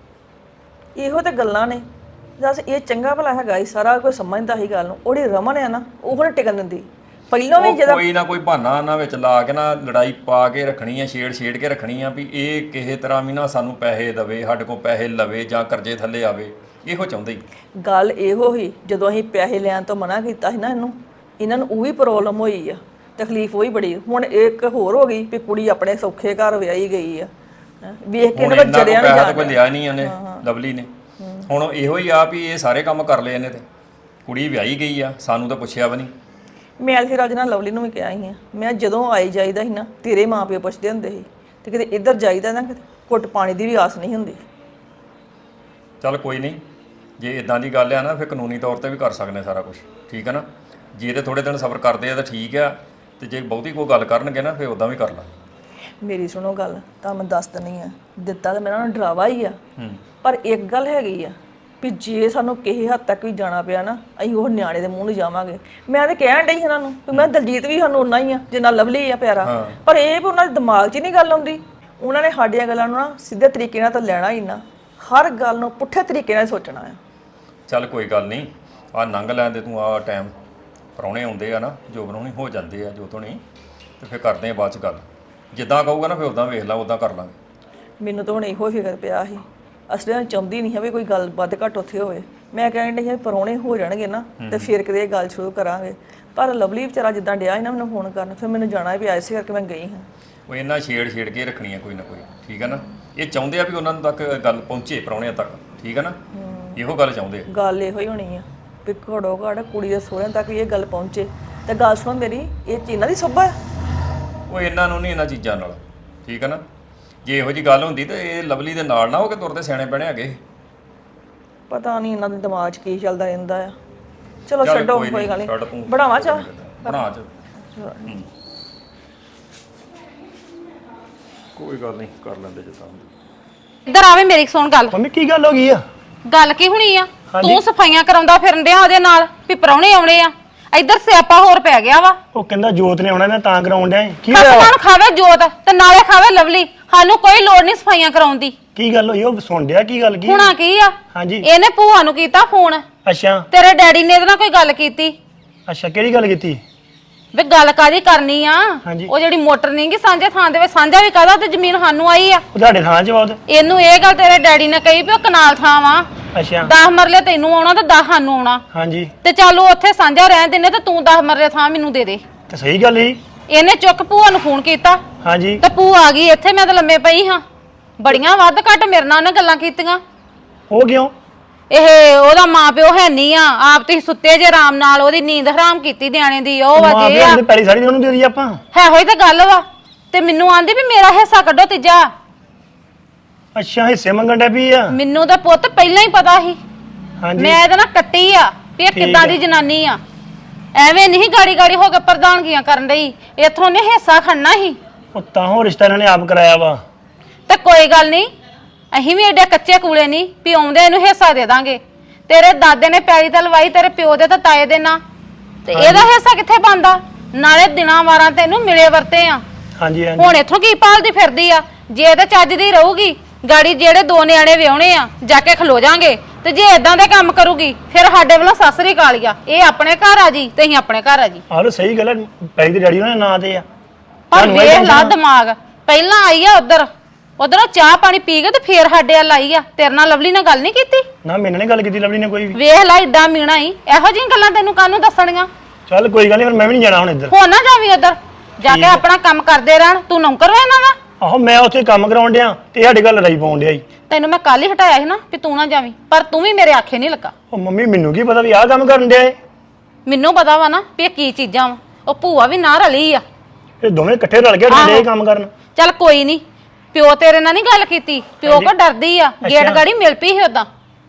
Speaker 1: ਇਹੋ ਤੇ ਗੱਲਾਂ ਨੇ। ਦੱਸ ਇਹ ਚੰਗਾ ਭਲਾ ਹੈਗਾ ਹੀ, ਸਾਰਾ ਕੋਈ ਸਮਝਦਾ ਹੀ ਗੱਲ ਨੂੰ। ਉਹਦੀ ਰਮਨ ਹੈ ਨਾ, ਉਹ ਹੁਣ ਟਿਕਣ ਦਿੰਦੀ। ਪਹਿਲਾਂ ਵੀ ਜਦੋਂ
Speaker 4: ਕੋਈ ਨਾ ਕੋਈ ਬਹਾਨਾ ਉਹਨਾਂ ਵਿੱਚ ਲਾ ਕੇ ਨਾ ਲੜਾਈ ਪਾ ਕੇ ਰੱਖਣੀ ਆ, ਛੇੜ ਛੇੜ ਕੇ ਰੱਖਣੀ ਆ ਵੀ ਇਹ ਕਿਸੇ ਤਰ੍ਹਾਂ ਵੀ ਨਾ ਸਾਨੂੰ ਪੈਸੇ ਦੇਵੇ, ਸਾਡੇ ਕੋਲ ਪੈਸੇ ਲਵੇ ਜਾਂ ਕਰਜ਼ੇ ਥੱਲੇ ਆਵੇ। ਇਹੋ ਚਾਹੁੰਦੇ ਹੀ।
Speaker 1: ਗੱਲ ਇਹੋ ਹੀ, ਜਦੋਂ ਅਸੀਂ ਪੈਸੇ ਲੈਣ ਤੋਂ ਮਨਾ ਕੀਤਾ ਸੀ ਨਾ ਇਹਨੂੰ, ਇਹਨਾਂ ਨੂੰ ਉਹ ਵੀ ਪ੍ਰੋਬਲਮ ਹੋਈ ਆ, ਤਕਲੀਫ ਉਹੀ ਬੜੀ। ਹੁਣ ਇੱਕ ਹੋਰ ਹੋ ਗਈ ਵੀ ਕੁੜੀ ਆਪਣੇ ਸੌਖੇ ਘਰ ਵਿਆਹੀ ਗਈ ਆ, ਹੈਂ। ਵੇਖ ਕੇ ਇਹਨਾਂ ਦਾ ਜਰਿਆ ਨਹੀਂ
Speaker 4: ਜਾਂਦਾ। ਕੋਈ ਲਿਆ ਨਹੀਂ ਉਹਨੇ ਲਵਲੀ ਨੇ। ਹੁਣ ਇਹੋ ਹੀ ਆ ਵੀ ਇਹ ਸਾਰੇ ਕੰਮ ਕਰ ਲਏ ਇਹਨੇ, ਤੇ ਕੁੜੀ ਵਿਆਹੀ ਗਈ ਆ, ਸਾਨੂੰ ਤਾਂ ਪੁੱਛਿਆ ਵੀ ਨਹੀਂ।
Speaker 1: ਮੈਂ ਫਿਰ ਅੱਜ ਨਾਲ ਲਵਲੀ ਨੂੰ ਵੀ ਕਿਹਾ ਸੀ, ਮੈਂ ਜਦੋਂ ਆਈ ਜਾਈਦਾ ਸੀ ਨਾ, ਤੇਰੇ ਮਾਂ ਪਿਓ ਪੁੱਛਦੇ ਹੁੰਦੇ ਸੀ, ਤੇ ਕਿਤੇ ਇੱਧਰ ਜਾਈਦਾ ਨਾ ਕਿਤੇ ਘੁੱਟ ਪਾਣੀ ਦੀ ਵੀ ਆਸ ਨਹੀਂ ਹੁੰਦੀ।
Speaker 4: ਚੱਲ ਕੋਈ ਨਹੀਂ, ਜੇ ਇਦਾਂ ਦੀ ਗੱਲ ਆ ਨਾ ਫਿਰ ਕਾਨੂੰਨੀ ਤੌਰ ਤੇ ਵੀ ਕਰ ਸਕਦੇ ਸਾਰਾ ਕੁਝ, ਠੀਕ ਹੈ ਨਾ। ਜੇ ਤੇ ਥੋੜੇ ਦਿਨ ਸਬਰ ਕਰਦੇ ਆ ਤਾਂ ਠੀਕ ਆ, ਤੇ ਜੇ ਬਹੁਤੀ ਕੋਈ ਗੱਲ ਕਰਨਗੇ ਨਾ ਫਿਰ ਉਦਾਂ ਵੀ ਕਰ ਲਾ।
Speaker 1: ਮੇਰੀ ਸੁਣੋ ਗੱਲ, ਤਾਂ ਮੈਂ ਦੱਸ ਦਿੰਦੀ ਆ, ਦਿੱਤਾ ਤਾਂ ਮੇਰਾ ਨਾ ਡਰਾਵਾ ਹੀ ਆ, ਪਰ ਇੱਕ ਗੱਲ ਹੈਗੀ ਆ ਵੀ ਜੇ ਸਾਨੂੰ ਕਿਸੇ ਹੱਦ ਤੱਕ ਵੀ ਜਾਣਾ ਪਿਆ ਨਾ, ਅਸੀਂ ਉਹ ਨਿਆਣੇ ਦੇ ਮੂੰਹ ਨੂੰ ਜਾਵਾਂਗੇ। ਮੈਂ ਤਾਂ ਕਹਿਣ ਡਈ ਇਹਨਾਂ ਨੂੰ ਵੀ ਮੈਂ ਦਲਜੀਤ ਵੀ ਸਾਨੂੰ ਉਨਾ ਹੀ ਆ ਜਿੰਨਾ ਲਵਲੀ ਆ ਪਿਆਰਾ, ਪਰ ਇਹ ਵੀ ਉਹਨਾਂ ਦੇ ਦਿਮਾਗ 'ਚ ਹੀ ਨਹੀਂ ਗੱਲ ਆਉਂਦੀ। ਉਹਨਾਂ ਨੇ ਸਾਡੀਆਂ ਗੱਲਾਂ ਨੂੰ ਨਾ ਸਿੱਧੇ ਤਰੀਕੇ ਨਾਲ ਤਾਂ ਲੈਣਾ ਹੀ ਨਾ, ਹਰ ਗੱਲ ਨੂੰ ਪੁੱਠੇ ਤਰੀਕੇ ਨਾਲ ਸੋਚਣਾ ਆ।
Speaker 4: ਚੱਲ ਕੋਈ ਗੱਲ ਨਹੀਂ, ਆਹ ਲੰਘ ਲੈਣ ਦੇ ਤੂੰ, ਆਹ ਟਾਈਮ ਪ੍ਰਾਹੁਣੇ ਆਉਂਦੇ ਆ ਨਾ, ਜੋ ਬਣਾਉਣੀ ਹੋ ਜਾਂਦੇ ਆ, ਜੋ ਤੋਂ ਨਹੀਂ, ਤੇ ਫਿਰ ਕਰਦੇ ਆ ਬਾਅਦ 'ਚ ਗੱਲ। ਜਿੱਦਾਂ ਕਹੂਗਾ ਨਾ ਫਿਰ ਉਦਾਂ ਵੇਖ ਲਾ, ਉਦਾਂ ਕਰ ਲਾਂਗੇ।
Speaker 1: ਮੈਨੂੰ ਤਾਂ ਹੁਣ ਇਹੋ ਫਿਕਰ ਪਿਆ ਸੀ, ਅਸਲੀ ਨਾਲ ਚਾਹੁੰਦੀ ਨਹੀਂ ਹੈ ਵੀ ਕੋਈ ਗੱਲ ਵੱਧ ਘੱਟ ਉੱਥੇ ਹੋਵੇ। ਮੈਂ ਕਹਿਣ ਡਈ ਹਾਂ ਪ੍ਰਾਹੁਣੇ ਹੋ ਜਾਣਗੇ ਨਾ ਤੇ ਫਿਰ ਕਿਤੇ ਇਹ ਗੱਲ ਸ਼ੁਰੂ ਕਰਾਂਗੇ। ਪਰ ਲਵਲੀ ਵਿਚਾਰਾ ਜਿੱਦਾਂ ਡਿਆ ਸੀ ਨਾ ਮੈਨੂੰ ਫੋਨ ਕਰਨ, ਫਿਰ ਮੈਨੂੰ ਜਾਣਾ ਵੀ ਆਇਆ ਸੀ ਕਰਕੇ ਮੈਂ ਗਈ ਹਾਂ।
Speaker 4: ਉਹ ਇਹਨਾਂ ਛੇੜ ਛੇੜ ਕੇ ਰੱਖਣੀ ਆ ਕੋਈ ਨਾ ਕੋਈ, ਠੀਕ ਹੈ ਨਾ। ਇਹ ਚਾਹੁੰਦੇ ਆ ਵੀ ਉਹਨਾਂ ਤੱਕ ਗੱਲ ਪਹੁੰਚੇ, ਪ੍ਰਾਹੁਣਿਆਂ ਤੱਕ, ਠੀਕ ਹੈ ਨਾ। ਇਹੋ ਗੱਲ ਚਾਹੁੰਦੇ ਆ।
Speaker 1: ਗੱਲ ਇਹੋ ਹੀ ਹੋਣੀ ਆ। ਵੀ ਘੜੋ ਘੜ ਕੁੜੀ ਦੇ ਸਹੁਰਿਆਂ ਤੱਕ ਵੀ ਇਹ ਗੱਲ ਪਹੁੰਚੇ। ਤੇ ਗੱਲ ਸੁਣੋ ਮੇਰੀ, ਇਹ ਚੀਨਾਂ ਦੀ ਸੋਭਾ ਹੈ।
Speaker 4: ਉਹ ਇਹਨਾਂ ਨੂੰ ਨਹੀਂ ਇਹਨਾਂ ਚੀਜ਼ਾਂ ਨਾਲ, ਠੀਕ ਹੈ ਨਾ। ਜੇ ਇਹੋ ਜੀ ਗੱਲ ਹੁੰਦੀ ਤੇ ਇਹ ਲਵਲੀ ਦੇ ਨਾਲ ਨਾ ਹੋ ਕੇ ਤੁਰਦੇ ਸਿਆਣੇ ਬਣੇ ਹੈਗੇ।
Speaker 1: ਪਤਾ ਨਹੀਂ ਇਹਨਾਂ ਦੇ ਦਿਮਾਗ 'ਚ ਕੀ ਚੱਲਦਾ ਰਹਿੰਦਾ ਆ। ਚਲੋ
Speaker 4: ਚੱਲ
Speaker 1: ਛੱਡੋ,
Speaker 4: ਕੋਈ
Speaker 1: ਕੋਈ ਗੱਲ
Speaker 4: ਨੀ, ਛੱਡ
Speaker 1: ਨਹੀਂ।
Speaker 4: ਤੂੰ।
Speaker 1: ਬਣਾਵਾ ਚਾਹ?
Speaker 4: ਬਣਾ ਚ ਕੋਈ ਗੱਲ ਨਹੀਂ, ਕਰ ਲੈਂਦੇ ਜੇ ਤਾਂ।
Speaker 2: ਇੱਧਰ ਆਵੇ ਮੇਰੀ ਸੁਣ ਗੱਲ।
Speaker 5: ਮੰਮੀ ਕੀ ਗੱਲ ਹੋ ਗਈ ਆ?
Speaker 2: ਗੱਲ ਕੀ ਹੋਣੀ ਆ? ਤੂੰ ਸਫਾਈਆਂ ਕਰਾਉਂਦਾ ਫਿਰਨ ਡਿਆ ਉਹਦੇ ਨਾਲ ਵੀ ਪ੍ਰਾਹੁਣੇ ਆਉਣੇ ਆ। ਇੱਧਰ ਸਿਆਪਾ ਹੋਰ ਪੈ ਗਿਆ ਵਾ।
Speaker 5: ਉਹ ਕਹਿੰਦਾ ਜੋਤ ਨੇ ਆਉਣਾ, ਮੈਂ ਤਾਂ ਕਰਾਉਣ ਡਿਆ ਏ। ਕੀ ਹੋਇਆ?
Speaker 2: ਖਸਮਾਂ ਨੂੰ ਖਾਵੇ ਜੋਤ ਤੇ ਨਾਲੇ ਖਾਵੇ ਲਵਲੀ। ਸਾਨੂੰ ਕੋਈ ਲੋੜ ਨਹੀਂ ਸਫਾਈਆਂ ਕਰਾਉਣ ਦੀ।
Speaker 5: ਕੀ ਗੱਲ ਹੋਈ? ਉਹ ਸੁਣ ਡਿਆ ਕੀ ਗੱਲ ਕੀ?
Speaker 2: ਹੁਣਾ ਕੀ ਆ?
Speaker 5: ਹਾਂਜੀ।
Speaker 2: ਇਹਨੇ ਭੂਆ ਨੂੰ ਕੀਤਾ ਫੋਨ।
Speaker 5: ਅੱਛਾ
Speaker 2: ਤੇਰੇ ਡੈਡੀ ਨੇ ਇਹਦੇ ਨਾਲ ਕੋਈ ਗੱਲ ਕੀਤੀ?
Speaker 5: ਅੱਛਾ, ਕਿਹੜੀ ਗੱਲ ਕੀਤੀ?
Speaker 2: ਵੇ ਗੱਲ ਕਾਦੀ ਕਰਨੀ ਆ?
Speaker 5: ਹਾਂਜੀ।
Speaker 2: ਉਹ ਜਿਹੜੀ ਮੋਟਰ ਨਹੀਂਗੀ ਸਾਂਝੇ ਥਾਂ ਦੇ ਵਿੱਚ, ਸਾਂਝਾ ਵੀ ਕਾਹਦਾ ਤੇ ਜ਼ਮੀਨ ਸਾਨੂੰ ਆਈ ਆ।
Speaker 5: ਉਹ ਤੁਹਾਡੇ ਥਾਂ 'ਚ ਬਹੁਤ।
Speaker 2: ਇਹਨੂੰ ਇਹ ਗੱਲ ਤੇਰੇ ਡੈਡੀ ਨੇ ਕਹੀ ਵੀ ਉਹ ਕਨਾਲ ਥਾਂ ਵਾ,
Speaker 5: ਅੱਛਾ
Speaker 2: ਦਸ ਮਰਲੇ ਤੈਨੂੰ ਆਉਣਾ ਤੇ ਦਸ ਸਾਨੂੰ ਆਉਣਾ।
Speaker 5: ਹਾਂਜੀ,
Speaker 2: ਤੇ ਚੱਲ ਉਹ ਉੱਥੇ ਸਾਂਝਾ ਰਹਿਣ ਦਿੰਨੇ ਤੇ ਤੂੰ ਦਸ ਮਰਲੇ ਥਾਂ ਮੈਨੂੰ ਦੇ ਦੇ।
Speaker 5: ਤੇ ਸਹੀ ਗੱਲ ਹੀ।
Speaker 2: ਇਹਨੇ ਚੁੱਕ ਭੂਆ ਨੂੰ ਫੋਨ ਕੀਤਾ
Speaker 5: ਹਾਂਜੀ,
Speaker 2: ਤੇ ਭੂਆ ਆ ਗਈ ਇੱਥੇ। ਮੈਂ ਤਾਂ ਲੰਮੇ ਪਈ ਹਾਂ। ਬੜੀਆਂ ਵੱਧ ਘੱਟ ਮੇਰੇ ਨਾਲ ਉਹਨੇ ਗੱਲਾਂ ਕੀਤੀਆਂ।
Speaker 5: ਉਹ ਕਿਉਂ?
Speaker 2: ਇਹ ਉਹਦਾ ਮਾਂ ਪਿਓ ਹੈ ਨਹੀਂ ਆ, ਆਪ ਤੁਸੀਂ ਸੁੱਤੇ ਜੇ ਆਰਾਮ ਨਾਲ, ਉਹਦੀ ਨੀਂਦ ਹਰਾਮ ਕੀਤੀ ਨਿਆਣੇ ਦੀ। ਉਹ
Speaker 5: ਮਾਂ
Speaker 2: ਵਜੇ
Speaker 5: ਪਿਓ
Speaker 2: ਆ
Speaker 5: ਨੇ ਪੈਰੀ ਸਾਰੀ ਉਹਨੂੰ ਦੇ ਦੀ ਆਪਾਂ।
Speaker 2: ਹੈ ਹੋਈ ਤਾਂ ਗੱਲ ਵਾ। ਤੇ ਮੈਨੂੰ ਆਂਦੀ ਵੀ ਮੇਰਾ ਹਿੱਸਾ ਕੱਢੋ ਤੀਜਾ।
Speaker 5: ਅੱਛਾ, ਹਿੱਸੇ ਮੰਗਣ ਡੈ ਪਈ ਆ।
Speaker 2: ਮੈਨੂੰ ਤਾਂ ਪੁੱਤ ਪਹਿਲਾਂ ਹੀ ਪਤਾ ਸੀ।
Speaker 5: ਹਾਂਜੀ,
Speaker 2: ਮੈਂ ਇਹਦੇ ਨਾਲ ਕੱਟੀ ਆ ਵੀ ਇਹ
Speaker 5: ਠੀਕ
Speaker 2: ਕਿੱਦਾਂ
Speaker 5: ਆ।
Speaker 2: ਦੀ ਜਨਾਨੀ ਆ। ਐਵੇਂ ਨਹੀਂ ਗਾੜੀ ਗਾੜੀ ਹੋ ਕੇ ਪ੍ਰਧਾਨਗੀਆਂ ਕਰਨ ਡਈ। ਇਥੋਂ ਨੇ ਹਿੱਸਾ ਖੜਨਾ ਸੀ।
Speaker 5: ਉਹ ਤਾਂ ਹੋ ਰਿਸ਼ਤਾ ਇਹਨਾਂ ਨੇ ਆਪ ਕਰਾਇਆ ਵਾ।
Speaker 2: ਤੇ ਕੋਈ ਗੱਲ ਨਹੀਂ, ਅਸੀਂ ਵੀ ਐਡੇ ਕੱਚੇ ਕੂਲੇ ਨਹੀਂ ਵੀ ਆਉਂਦੇ ਇਹਨੂੰ ਹਿੱਸਾ ਦੇ ਦਾਂਗੇ। ਤੇਰੇ ਦਾਦੇ ਨੇ ਪੈਲੀ ਤੇ ਲਵਾਈ, ਤੇਰੇ ਪਿਓ ਦੇ ਤਾਂ ਤਾਏ ਦੇ ਨਾਂ, ਤੇ ਇਹਦਾ ਹਿੱਸਾ ਕਿੱਥੇ ਬਣਦਾ? ਨਾਲੇ ਦਿਨਾਂ ਵਾਰਾਂ ਤੈਨੂੰ ਮਿਲੇ ਵਰਤੇ ਆ।
Speaker 5: ਹਾਂਜੀ ਹਾਂਜੀ,
Speaker 2: ਹੁਣ ਇੱਥੋਂ ਕੀ ਭਾਲਦੀ ਫਿਰਦੀ ਆ? ਜੇ ਤੇ ਚੱਜ ਦੀ ਰਹੂਗੀ ਗਾੜੀ, ਜਿਹੜੇ ਦੋ ਨਿਆਣੇ ਵਿਆਹੁਣੇ ਆ ਜਾ ਕੇ ਖਲੋ ਜਾਾਂਗੇ। ਤੇ ਜੇ ਇਦਾਂ ਦੇ ਕੰਮ ਕਰੂਗੀ ਫਿਰ ਸਾਡੇ ਵੱਲੋਂ ਸਾਸਰੀ ਕਾਲੀਆ। ਇਹ ਆਪਣੇ ਘਰ ਆ ਜੀ ਤੇ ਅਸੀਂ ਆਪਣੇ ਘਰ ਆ ਜੀ।
Speaker 5: ਆਹ ਲੋ ਸਹੀ ਗੱਲ ਹੈ। ਪੈਰੀ ਦੇ ਡੈਡੀ ਉਹਨਾਂ ਦੇ ਨਾਂ ਤੇ ਆ।
Speaker 2: ਪਰ
Speaker 5: ਤੁਹਾਨੂੰ ਇਹ
Speaker 2: ਵੇਖ ਲਾ
Speaker 5: tension ਆ?
Speaker 2: ਦਿਮਾਗ। ਪਹਿਲਾਂ ਆਈ ਆ ਉਧਰ, ਉਧਰੋਂ ਚਾਹ ਪਾਣੀ ਪੀ ਕੇ ਤੇ ਫੇਰ ਸਾਡੇ ਵੱਲ ਆਈ ਆ। ਤੇਰੇ ਨਾਲ ਲਵਲੀ ਨਾਲ ਗੱਲ ਨਹੀਂ ਕੀਤੀ?
Speaker 5: ਨਾ, ਮੈਨੇ ਨੇ ਗੱਲ ਕੀਤੀ ਲਵਲੀ ਨੇ ਕੋਈ ਵੀ।
Speaker 2: ਵੇਖ ਲਾ ਇਦਾਂ ਮੀਣਾ ਹੀ। ਇਹੋ ਜਿਹੀਆਂ ਗੱਲਾਂ ਤੈਨੂੰ ਕਾਹਨੂੰ ਦੱਸਣੀਆਂ?
Speaker 5: ਚੱਲ ਕੋਈ ਗੱਲ ਨਹੀਂ, ਫਿਰ ਮੈਂ ਵੀ ਨਹੀਂ ਜਾਣਾ ਹੁਣ ਇੱਧਰ।
Speaker 2: ਹੋ ਨਾ ਜਾਵੀਂ ਉਧਰ, ਜਾ ਕੇ ਆਪਣਾ ਕੰਮ ਕਰਦੇ ਰਹਿਣ। ਤੂੰ ਨੌਕਰ ਵਾ ਇਹਨਾਂ ਦਾ।
Speaker 5: ਆਹੋ, ਮੈਂ ਉੱਥੇ ਕੰਮ ਕਰਾਉਣ ਡਿਆ ਤੇ ਸਾਡੇ ਗੱਲ ਲੜਾਈ ਪਾਉਣ ਡਿਆ ਈ।
Speaker 2: ਤੈਨੂੰ ਮੈਂ ਕੱਲ ਹੀ ਹਟਾਇਆ ਸੀ ਨਾ ਵੀ ਤੂੰ ਨਾ ਜਾਵੀਂ, ਪਰ ਤੂੰ ਵੀ ਮੇਰੇ ਆਖੇ ਨਹੀਂ ਲੱਗਾ।
Speaker 5: ਉਹ ਮੰਮੀ, ਮੈਨੂੰ ਕੀ ਪਤਾ ਵੀ ਆਹ ਕੰਮ ਕਰਨ ਡਿਆ ਏ।
Speaker 2: ਮੈਨੂੰ ਪਤਾ ਵਾ ਨਾ ਵੀ ਇਹ ਕੀ ਚੀਜ਼ਾਂ ਵਾ। ਉਹ ਭੂਆ ਵੀ ਨਾ ਰਲੀ ਆ।
Speaker 5: ਇਹ ਦੋਵੇਂ ਇਕੱਠੇ ਰਲ ਕੇ ਡੰਡੇ ਇਹ ਕੰਮ ਕਰਨ।
Speaker 2: ਚੱਲ ਕੋਈ ਨਹੀਂ, ਪਿਓ ਤੇਰੇ ਨਾਲ ਨਹੀਂ ਗੱਲ ਕੀਤੀ? ਪਿਓ ਕੋ ਡਰਦੀ ਆ, ਗੇਟ
Speaker 5: ਅੱਛਾ।
Speaker 2: ਗਾੜੀ ਮਿਲ ਪਈ ਸੀ ਉਦਾਂ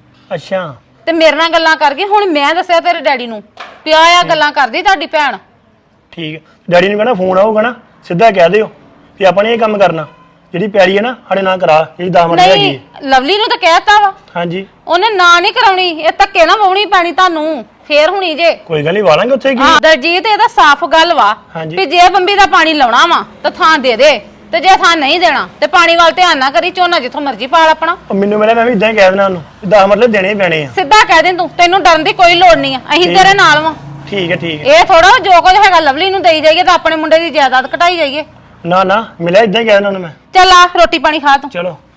Speaker 5: ਅੱਛਾ,
Speaker 2: ਤੇ ਮੇਰੇ ਨਾਲ ਗੱਲਾਂ ਕਰ ਗਈ। ਹੁਣ ਮੈਂ ਦੱਸਿਆ ਤੇਰੇ ਡੈਡੀ ਨੂੰ, ਪਿਆ ਆ ਗੱਲਾਂ ਕਰਦੀ ਤੁਹਾਡੀ ਭੈਣ।
Speaker 5: ਠੀਕ ਹੈ। ਡੈਡੀ ਨੂੰ ਕਹਿਣਾ ਫੋਨ ਆਊਗਾ ਨਾ, ਸਿੱਧਾ ਕਹਿ ਦਿਓ ਵੀ ਆਪਾਂ ਨੇ ਇਹ ਕੰਮ ਕਰਨਾ। ਜਿਹੜੀ ਪੈੜੀ ਹੈ ਨਾ ਸਾਡੇ ਨਾਲ ਕਰਾ, ਜਿਹੜੀ ਦਾਮਨ ਹੈਗੀ
Speaker 2: ਨਹੀਂ,
Speaker 5: ਹੈ।
Speaker 2: ਲਵਲੀ ਨੂੰ ਤਾਂ ਕਹਿਤਾ ਵਾ।
Speaker 5: ਹਾਂਜੀ,
Speaker 2: ਉਹਨੇ ਨਾ ਨਹੀਂ ਕਰਾਉਣੀ। ਇਹ ਧੱਕੇ ਨਾ ਵਾਉਣੀ ਪੈਣੀ ਤੁਹਾਨੂੰ, ਫੇਰ ਹੁਣੀ ਜੇ।
Speaker 5: ਕੋਈ ਗੱਲ ਨਹੀਂ, ਵਾਲਾਂਗੇ ਉੱਥੇ ਕੀ।
Speaker 2: ਹਾਂ ਦਰਜੀਤ, ਇਹਦਾ ਸਾਫ਼ ਗੱਲ ਵਾ
Speaker 5: ਹਾਂਜੀ।
Speaker 2: ਵੀ ਜੇ ਬੰਬੀ ਦਾ ਪਾਣੀ ਲਾਉਣਾ ਵਾ ਤਾਂ ਥਾਂ ਦੇ ਦੇ, ਤੇ ਜੇ ਥਾਂ ਨਹੀਂ ਦੇਣਾ ਤੇ ਪਾਣੀ ਵੱਲ ਧਿਆਨ ਨਾ ਕਰੀ। ਝੋਨਾ ਜਿੱਥੋਂ ਮਰਜ਼ੀ ਪਾਲ ਆਪਣਾ।
Speaker 5: ਉਹ ਮੈਨੂੰ ਮਿਲਿਆ, ਮੈਂ ਵੀ ਇਦਾਂ ਹੀ ਕਹਿ ਦੇਣਾ ਉਹਨੂੰ ਵੀ ਦਸ ਮਰਲੇ ਦੇਣੇ ਹੀ ਪੈਣੇ ਆ।
Speaker 2: ਸਿੱਧਾ ਕਹਿ ਦੇ ਤੂੰ, ਤੈਨੂੰ ਡਰਨ ਦੀ ਕੋਈ ਲੋੜ ਨਹੀਂ ਆ। ਅਸੀਂ ਤੇਰੇ ਨਾਲ ਵਾਂ।
Speaker 5: ਠੀਕ ਹੈ, ਠੀਕ ਹੈ।
Speaker 2: ਇਹ ਥੋੜਾ ਜੋ ਕੁਝ ਹੈਗਾ ਲਵਲੀ ਨੂੰ ਦੇਈ ਜਾਈਏ ਤਾਂ ਆਪਣੇ ਮੁੰਡੇ ਦੀ ਜਾਇਦਾਦ ਘਟਾਈ ਜਾਈਏ।
Speaker 5: ਨਾ ਨਾ, ਮਿਲਿਆ ਇਦਾਂ ਹੀ ਕਹਿ ਦੇਣਾ ਉਹਨੂੰ ਮੈਂ।
Speaker 2: ਚੱਲ ਆ ਰੋਟੀ ਪਾਣੀ ਖਾ ਤੂੰ।
Speaker 5: ਚਲੋ।